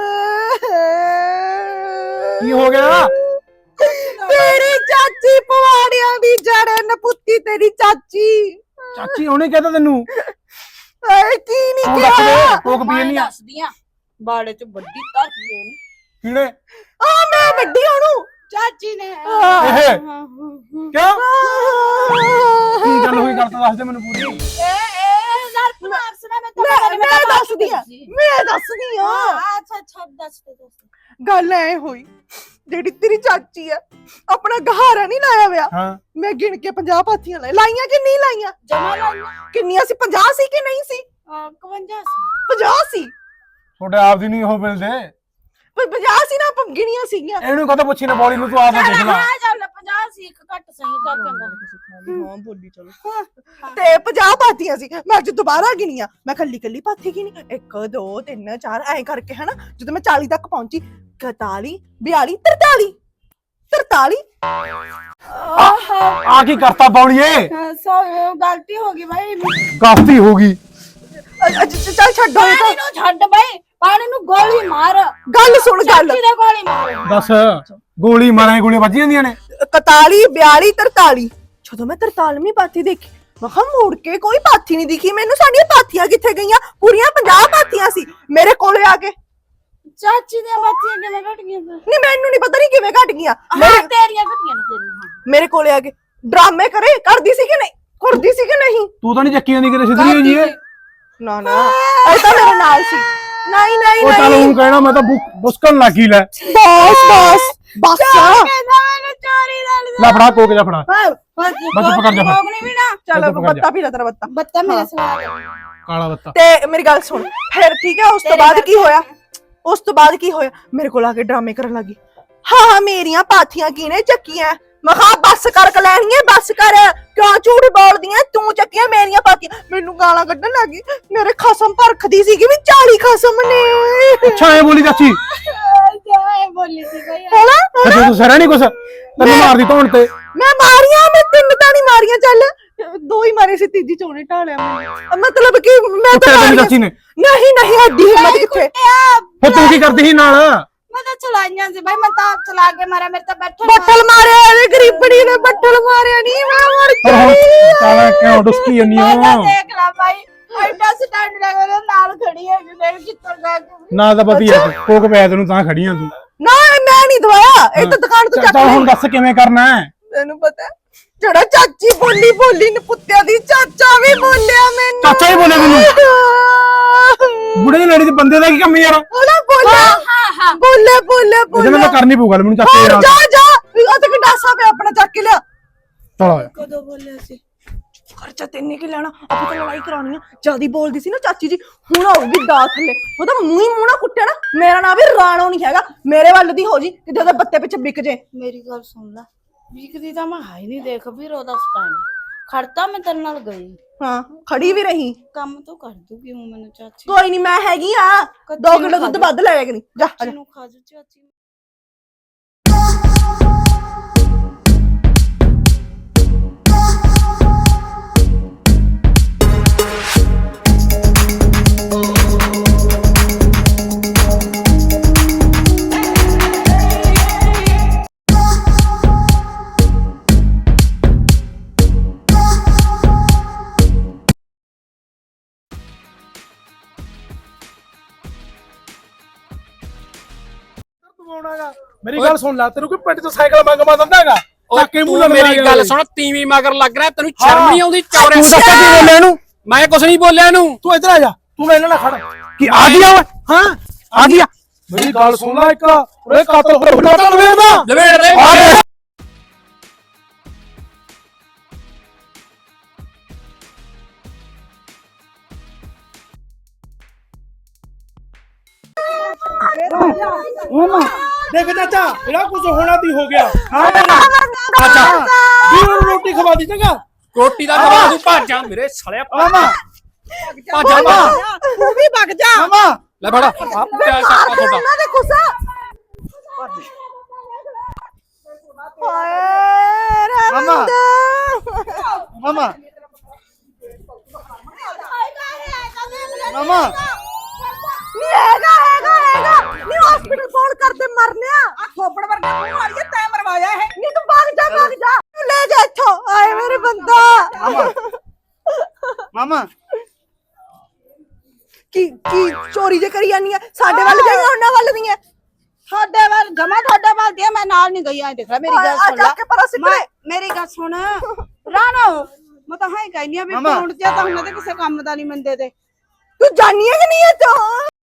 D: ਕੀ ਹੋ ਗਿਆ
C: ਤੇਰੀ ਚਾਚੀ ਪਵਾੜਿਆਂ ਦੀ ਜੜ ਨਪੁੱਤੀ ਤੇਰੀ ਚਾਚੀ
D: ਚਾਚੀ ਉਹਨੇ ਕਹਿਤਾ ਤੈਨੂੰ
C: ਏ ਕੀ ਨਹੀਂ
D: ਤੂੰ ਦੱਸ
C: ਕਿਹਾ
D: ਦੇ ਕੋਕ ਪੀਣੀ ਆ
B: ਦੱਸਦੀ ਆ ਬਾੜੇ ਚ ਵੱਡੀ ਧਰਤੀ ਉਹਨੂੰ
D: ਕਿਹੜੇ
C: ਆ ਮੈਂ ਵੱਡੀ ਉਹਨੂੰ
B: ਚਾਚੀ ਨੇ
D: ਇਹ ਕਿਉਂ ਕੀ ਗੱਲ ਹੋਈ ਗੱਲ ਤਾਂ ਦੱਸ ਦੇ ਮੈਨੂੰ ਪੂਰੀ
B: ਏ ਏ ਯਾਰ ਪਨਾਰਸ ਨੇ ਮੈਂ
C: ਮੈਂ ਮੈਂ ਦੱਸਦੀ ਆ ਮੈਂ ਦੱਸਦੀ ਆ
B: ਅੱਛਾ ਅੱਛਾ ਦੱਸ ਦੇ ਦੱਸ
C: ਗੱਲ ਐ ਹੋਈ ਜਿਹੜੀ ਤੇਰੀ ਚਾਚੀ ਆ ਆਪਣਾ ਗਹਾਰਾ ਨਹੀਂ ਲਾਇਆ ਵਿਆ
D: ਹਾਂ
C: ਮੈਂ ਗਿਣ ਕੇ ਪੰਜਾਹ ਪਾਥੀਆਂ ਲਾਈ ਲਾਈਆਂ ਕਿ ਨਹੀਂ ਲਾਈਆਂ
B: ਜਮਾ ਲਾਈਆਂ
C: ਕਿੰਨੀਆਂ ਸੀ ਪੰਜਾਹ ਸੀ ਕਿ ਨਹੀਂ ਸੀ
B: ਇਕਵੰਜਾ ਸੀ
C: ਪੰਜਾਹ ਸੀ
D: ਤੁਹਾਡੇ ਆਪ ਦੀ ਨਹੀਂ ਉਹ ਮਿਲਦੇ
C: ਪਰ ਪੰਜਾਹ ਸੀ ਨਾ ਆਪਾਂ ਗਿਣੀਆਂ ਸੀਗੀਆਂ
D: ਇਹਨੂੰ ਕਦੋਂ ਪੁੱਛੀ ਨਾ ਬੋਲੀ ਨੂੰ ਤੂੰ ਆਪ ਦੇਖ ਲੈ
B: ਹਾਂ ਚੱਲ ਪੰਜਾਹ ਸੀ ਇੱਕ ਘੱਟ ਸਹੀ ਚੱਲ ਚੰਗਾ
C: ਹਾਂ ਬੋਲੀ ਚਲੋ ਤੇ ਪੰਜਾਹ ਪਾਥੀਆਂ ਸੀ ਮੈਂ ਅੱਜ ਦੁਬਾਰਾ ਗਿਣੀਆਂ ਮੈਂ ਕੱਲੀ ਕੱਲੀ ਪਾਥੀ ਗਿਣੀ ਇੱਕ ਦੋ ਤਿੰਨ ਚਾਰ ਐਂ ਕਰਕੇ ਹਨਾ ਜਦੋਂ ਮੈਂ ਚਾਲੀ ਤੱਕ ਪਹੁੰਚੀ ਇਕਤਾਲੀ ਬਿਆਲੀ ਤਰਤਾਲੀ ਤਰਤਾਲੀ
D: ਆ ਕੀ ਕਰਤਾ ਬੌਲੀਏ
B: ਸੋ ਗਲਤੀ ਹੋ ਗਈ ਬਾਈ
D: ਗਲਤੀ ਹੋ ਗਈ
C: ਚੱਲ ਛੱਡੋ ਇਹ ਤਾਂ
B: ਪਾਣੀ ਨੂੰ ਛੱਡ ਬਈ ਪਾਣੀ ਨੂੰ ਗੋਲੀ ਮਾਰ
C: ਗੱਲ ਸੁਣ ਗੱਲ
B: ਚਾਚੀ ਦੇ ਗੋਲੀ ਮਾਰ
D: ਦੱਸ ਗੋਲੀ ਮਾਰਾਂ ਗੋਲੀਆਂ ਵੱਜ ਜਾਂਦੀਆਂ ਨੇ
C: ਇਕਤਾਲੀ ਬਿਆਲੀ ਤਰਤਾਲੀ ਜਦੋਂ ਮੈਂ ਤਰਤਾਲਵੀਂ ਪਾਥੀ ਦੇਖੀ ਮੈਂ ਕਿਹਾ ਮੁੜ ਕੇ ਕੋਈ ਪਾਥੀ ਨਹੀਂ ਦਿਖੀ ਮੈਨੂੰ ਸਾਡੀਆਂ ਪਾਥੀਆਂ ਕਿੱਥੇ ਗਈਆਂ ਪੂਰੀਆਂ ਪੰਜਾਹ ਪਾਥੀਆਂ ਸੀ ਮੇਰੇ ਕੋਲੇ ਆ ਕੇ
B: ਚਾਚੀ ਦੀਆਂ ਬੱਚੀਆਂ ਕਿਵੇਂ ਘਟ ਗਈਆਂ ਫਿਰ
C: ਨਹੀਂ ਮੈਨੂੰ ਨਹੀਂ ਪਤਾ ਨਹੀਂ ਕਿਵੇਂ ਘਟ ਗਈਆਂ
B: ਹਾਂ ਤੇਰੀਆਂ ਘਟੀਆਂ ਨੇ ਤੇਰੀਆਂ
C: ਮੇਰੇ ਕੋਲੇ ਆ ਕੇ ਡਰਾਮੇ ਕਰੇ ਕਰਦੀ ਸੀ ਕਿ ਨਹੀਂ ਕਰਦੀ ਸੀ ਕਿ ਨਹੀਂ
D: ਤੂੰ ਤਾਂ ਨਹੀਂ ਚੱਕੀਆਂ ਨਹੀਂ ਕਿਤੇ ਸਿੱਧੀਆਂ ਜੀ
C: ਨਾ ਨਾ ਇਹ ਤਾਂ ਮੇਰੇ ਨਾਲ ਸੀ ਨਹੀਂ ਨਹੀਂ
D: ਉਹ ਚੱਲ
C: ਨਹੀਂ
D: ਹੁਣ ਕਹਿਣਾ ਮੈਂ ਤਾਂ ਬੁਸਕਣ ਲੱਗੀ ਲੈ
C: ਬਸ ਬਸ ਬਸ
B: ਕਹਿੰਦਾ ਮੈਨੂੰ ਚੋਰੀ ਦਾ
D: ਲੈ ਫੜਾ ਕੋਕ ਜਾ ਫੜਾ
B: ਬਸ
D: ਚੁੱਪ ਕਰ ਜਾ ਫਿਰ।
B: ਕੋਗਣੀ ਵੀ ਨਾ
C: ਚੱਲ
D: ਚੱਲ ਪਕੜ ਜਾ।
C: ਬੱਤਾ ਪੀ ਲੈ ਤੇਰਾ ਬੱਤਾ
B: ਬੱਤਾ ਮੇਰੇ ਸਵਾਲ
D: ਕਾਲਾ ਬੱਤਾ
C: ਤੇ ਮੇਰੀ ਗੱਲ ਸੁਣ ਫਿਰ ਠੀਕ ਹੈ ਉਸ ਤੋਂ ਬਾਅਦ ਕੀ ਹੋਇਆ ਉਸ ਤੋਂ ਬਾਅਦ ਕੀ ਹੋਇਆ ਮੇਰੇ ਕੋਲ ਆ ਕੇ ਡਰਾਮੇ ਕਰਨ ਲੱਗੀ ਹਾਂ ਹਾਂ ਮੇਰੀਆਂ ਪਾਥੀਆਂ ਕਿਹਨੇ ਚੱਕੀਆਂ ਮੈਂ ਕਿਹਾ ਬੱਸ ਕਰ ਕਲੈਣੀਏ ਬੱਸ ਕਰ ਕਿਉਂ ਝੂਠ ਬੋਲਦੀ ਐ ਤੂੰ ਚੱਕੀਆਂ ਮੇਰੀਆਂ ਪਾਥੀਆਂ ਮੈਨੂੰ ਗਾਲਾਂ ਕੱਢਣ ਲੱਗੀ ਮੇਰੇ ਖਸਮ ਭਰਖਦੀ ਸੀਗੀ ਵੀ ਚਾਲੀ ਖਸਮ ਨੇ
D: ਅੱਛਾ ਐ ਬੋਲੀ ਚਾਚੀ
B: ਜਾਏ ਬੋਲੀ ਸੀ ਬਈ
C: ਹੈਨਾ
D: ਤੇ ਤੂੰ ਸਹਿਰਾ ਨਹੀਂ ਕੁਛ ਤੈਨੂੰ ਮਾਰਦੀ ਧੌਣ ਤੇ
C: ਮੈਂ ਮਾਰੀਆਂ ਮੈਂ ਤਿੰਨ ਤਾਂ ਨਹੀਂ ਮਾਰੀਆਂ ਚੱਲ ਦੋ ਹੀ ਮਾਰੇ ਸੀ ਤੀਜੀ ਚੋਣੇ ਢਾਲਿਆ ਮੈਂ ਮਤਲਬ ਕਿ ਮੈਂ ਤਾਂ
D: ਕੁੱਟਿਆ ਤੈਨੂੰ
C: ਮਾਰੀਆਂ-
D: ਚਾਚੀ ਨੇ
C: ਨਹੀਂ ਨਹੀਂ ਐਡੀ ਹਿੰਮਤ ਕਿੱਥੇ
D: ਫਿਰ ਤੂੰ ਕੀ ਕਰਦੀ ਸੀ ਨਾਲ
B: ਮੈਂ ਤਾਂ ਚਲਾਈਆਂ ਸੀ ਬਈ ਮੈਂ ਤਾਂ ਚਲਾ ਕੇ ਮਾਰਿਆ ਮੇਰੇ ਤਾਂ ਬੈਠਾ
C: ਬੱਟਲ ਮਾਰਿਆ ਇਹਦੇ ਗਰੀਬੜੀ ਨੇ ਬੱਟਲ ਮਾਰਿਆ ਨਹੀਂ ਮੈਂ ਮਰ
D: ਪਰ ਹੁਣ
C: ਗਈ
D: ਕਾਲਾ ਕਿਉਂ ਡੁਸਕੀ ਜੰਨੀ
B: ਮੈਂ ਤਾਂ
D: ਹੋ
B: ਦੇਖ ਲਾ ਭਾਈ ਐਡਾ ਸਟੈਂਡ ਲੱਗਾ ਉਹਦੇ ਨਾਲ ਖੜੀ ਹੈ ਕਿ ਦੇਖ ਕਿੱਥੋਂ ਜਾ ਕੇ
D: ਨਾ ਤਾਂ ਪਤੀ ਐ ਕੋਕ ਪੈ ਤੈਨੂੰ ਤਾਂ ਖੜੀਆਂ ਤੂੰ
C: ਨਾ ਮੈਂ ਨਹੀਂ ਦਵਾਇਆ ਇਹ ਤਾਂ ਦੁਕਾਨ ਤੋਂ ਚੱਕ
D: ਚੱਲ ਹੁਣ
C: ਲਈ
D: ਦੱਸ ਕਿਵੇਂ ਕਰਨਾ ਹੈ
C: ਤੈਨੂੰ ਪਤਾ ਹੈ? ਜਿਹੜਾ ਚਾਚੀ ਬੋਲੀ ਬੋਲੀ ਨੇ ਪੁੱਤਿਆਂ ਦੀ ਚਾਚਾ ਵੀ ਬੋਲਿਆ ਮੈਨੂੰ
D: ਚਾਚਾ ਹੀ ਬੋਲਿਆ ਮੈਨੂੰ? ਬੁੜੇ ਦੀ ਲੜੀ ਦੇ ਬੰਦੇ ਦਾ ਕੀ ਕੰਮ ਯਾਰ
C: ਉਹਨੇ ਬੋਲਿਆ
B: ਹਾਂ ਹਾਂ
C: ਬੋਲੇ ਬੋਲੇ
D: ਇਹਦੇ
C: ਬੋਲੇ
D: ਨਾਲ ਤਾਂ ਕਰਨੀ ਪਊ ਗੱਲ ਮੈਨੂੰ ਚਾਚੇ
C: ਹੋਰ
D: ਨਾਲ
C: ਜਾ ਜਾ ਉਹ ਤੇ ਗੰਡਾਸਾ ਪਿਆ ਆਪਣਾ ਚੱਕ ਕੇ ਲਿਆ
D: ਚਲ ਆ
B: ਕਦੋਂ ਬੋਲਿਆ ਸੀ
C: ਖਰਚਾ ਤੈਨੇ ਕੀ ਲੈਣਾ ਆਪਾਂ ਤਾਂ ਲੜਾਈ ਕਰਾਉਣੀ ਆ ਜਿਆਦੀ ਬੋਲਦੀ ਸੀ ਨਾ ਚਾਚੀ ਜੀ ਹੁਣ ਆਉਗੀ ਦਾ ਥੱਲੇ ਉਹਦਾ ਮੂੰਹ ਹੀ ਮੂੰਹ ਨਾ ਕੁੱਟਿਆ ਨਾ ਮੇਰਾ ਨਾਂ ਵੀ ਰਾਣੋ ਨਹੀਂ ਹੈਗਾ ਮੇਰੇ ਵੱਲ ਦੀ ਹੋ ਜੀ ਕਿਤੇ ਉਹਦੇ ਬੱਤੇ ਪਿੱਛੇ ਵਿਕ ਜੇ
B: ਮੇਰੀ ਗੱਲ ਸੁਣ ਲੈ ਵਿਕਦੀ ਤਾਂ ਮੈਂ ਹਾਈ ਨਹੀਂ ਦੇਖ ਵੀਰ ਉਹਦਾ ਸਟੈਂਡ ਖੜਤਾ ਮੈਂ ਤੇਰੇ ਨਾਲ ਗਈ
C: ਹਾਂ ਖੜੀ ਵੀ ਰਹੀ
B: ਕੰਮ ਤੋਂ ਕਰ ਦੂਗੀ ਹੂੰ ਮੈਨੂੰ ਚਾਚੀ
C: ਕੋਈ ਨਹੀਂ ਮੈਂ ਹੈਗੀ ਆ
B: ਕੱਚੀ
C: ਦੋ
B: ਨੂੰ
C: ਕਿਲੋ
B: ਖਾ
C: ਦੁੱਧ
B: ਜਾ।
C: ਵੱਧ ਲੈ ਕਿ ਨਹੀਂ ਜਾ ਆ ਜਾ।
B: ਨੂੰ ਖਾ ਜੂ ਚਾਚੀ
D: ਮੇਰੀ ਗੱਲ ਸੁਣ ਲੈ ਤੈਨੂੰ ਕੋਈ ਪਿੰਡ ਚ ਸਾਈਕਲ ਮੰਗਵਾ ਦਿੰਦਾ ਹੈਗਾ
E: ਉਹ
D: ਚੱਕੇ ਮੂੰਹ
E: ਤੂੰ
D: ਨਾਲ
E: ਮੇਰੀ ਗੱਲ ਸੁਣ ਤੀਵੀਂ ਮਗਰ ਲੱਗ ਰਿਹਾ ਤੈਨੂੰ ਸ਼ਰਮ ਨਹੀਂ ਆਉਂਦੀ ਚੌਰੇ
D: ਤੂੰ ਦੱਸ ਕੀ ਬੋਲਿਆ ਇਹਨੂੰ
E: ਮੈਂ ਕੁਛ ਨਹੀਂ ਬੋਲਿਆ ਇਹਨੂੰ
D: ਤੂੰ ਇੱਧਰ ਆ ਜਾ ਤੂੰ ਮੇਰੇ ਨਾਲ ਖੜ ਕੀ ਆ ਗਿਆ ਓਏ ਹਾਂ ਆ ਗਿਆ ਮੇਰੀ ਗੱਲ ਸੁਣ ਲੈ ਇੱਕ ਉਹਦੇ ਕਾਤਲ ਹੋਇਆ ਕਾਤਲ ਵੇਖਦਾ
E: ਲਵੇੜ ਦੇ
D: ਆ ਗਿਆ ਦੇਖ ਚਾਚਾ ਇਹਦਾ ਕੁਝ ਹੋਣਾ ਤੀ ਹੋ ਗਿਆ ਹਾਂ ਚਾਚਾ ਵੀਰ ਨੂੰ ਰੋਟੀ ਖਵਾ ਦੀ ਚੰਗਾ
E: ਰੋਟੀ ਦਾ ਖਵਾ ਦੂੰ ਭੱਜ ਜਾ ਮੇਰੇ ਸਾਲਿਆ
D: ਮਾਮਾ
E: ਭੱਜ ਜਾ
D: ਮਾਮਾ
C: ਤੂੰ ਵੀ ਵਗ ਜਾ
D: ਮਾਮਾ
E: ਲੈ ਫੜਾ ਕਿਆ ਸ਼ੱਕਾ ਤੁਹਾਡਾ
C: ਇਹਨਾਂ ਦੇ ਗੁੱਸਾ ਹਾਏ ਰੇ
D: ਮਾਮਾ।
C: ਬੰਦਾ।
D: ਮਾਮਾ ਮਾਮਾ
C: ਨਹੀਂ ਹੈਗਾ ਹੈਗਾ ਹੈਗਾ ਨਹੀਂ ਹਸਪੀਟਲ ਫੋਨ ਕਰਦੇ ਮਰਨਿਆ ਆ ਥੋਪੜ ਵਰਗਾ ਮੂੰਹ ਵਾਲੀ ਤੈਂ ਮਰਵਾਇਆ ਹੈ ਨਹੀਂ ਤੂੰ ਭਾਗ ਜਾ ਭਾਗ ਜਾ ਤੂੰ ਲੈ ਜਾ ਇੱਥੋਂ ਆਏ ਮੇਰੇ ਬੰਦਾ
D: ਮਾਮਾ ਮਾਮਾ
C: ਕੀ ਕੀ ਚੋਰੀ ਜੇ ਕਰੀ ਜਾਨੀ ਆ ਸਾਡੇ ਵੱਲ ਜਾਈਆਂ ਉਹਨਾਂ ਵੱਲ ਦੀਆਂ
B: ਤੁਹਾਡੇ ਵੱਲ ਜਮਾ ਤੁਹਾਡੇ ਵੱਲ ਦੀ ਆ, ਮੈਂ ਨਾਲ ਨਹੀਂ ਗਈ ਆ ਦੇਖ ਲੈ ਮੇਰੀ ਗੱਲ
C: ਆ
B: ਸੁਣ
C: ਜਾ
B: ਲੈ
C: ਕੇ ਪਰਾਂ ਸਿੱਟ
B: ਮੈਂ- ਮੇਰੀ ਗੱਲ ਸੁਣ ਰਾਣੋ ਮੈਂ ਤਾਂ ਹਾਂ ਹੀ ਕਹਿੰਦੀ ਆ ਵੀ
D: ਮਾਮਾ।
B: ਪੌਂਡ ਜਿਆ ਤਾਂ ਉਹਨਾਂ ਦੇ ਕਿਸੇ ਕੰਮ ਦਾ ਨਹੀਂ ਮੰਦੇ ਤੇ
C: ਤੂੰ ਜਾਨੀ ਹੈ ਕਿ ਨਹੀਂ ਇਹ ਤੋਂ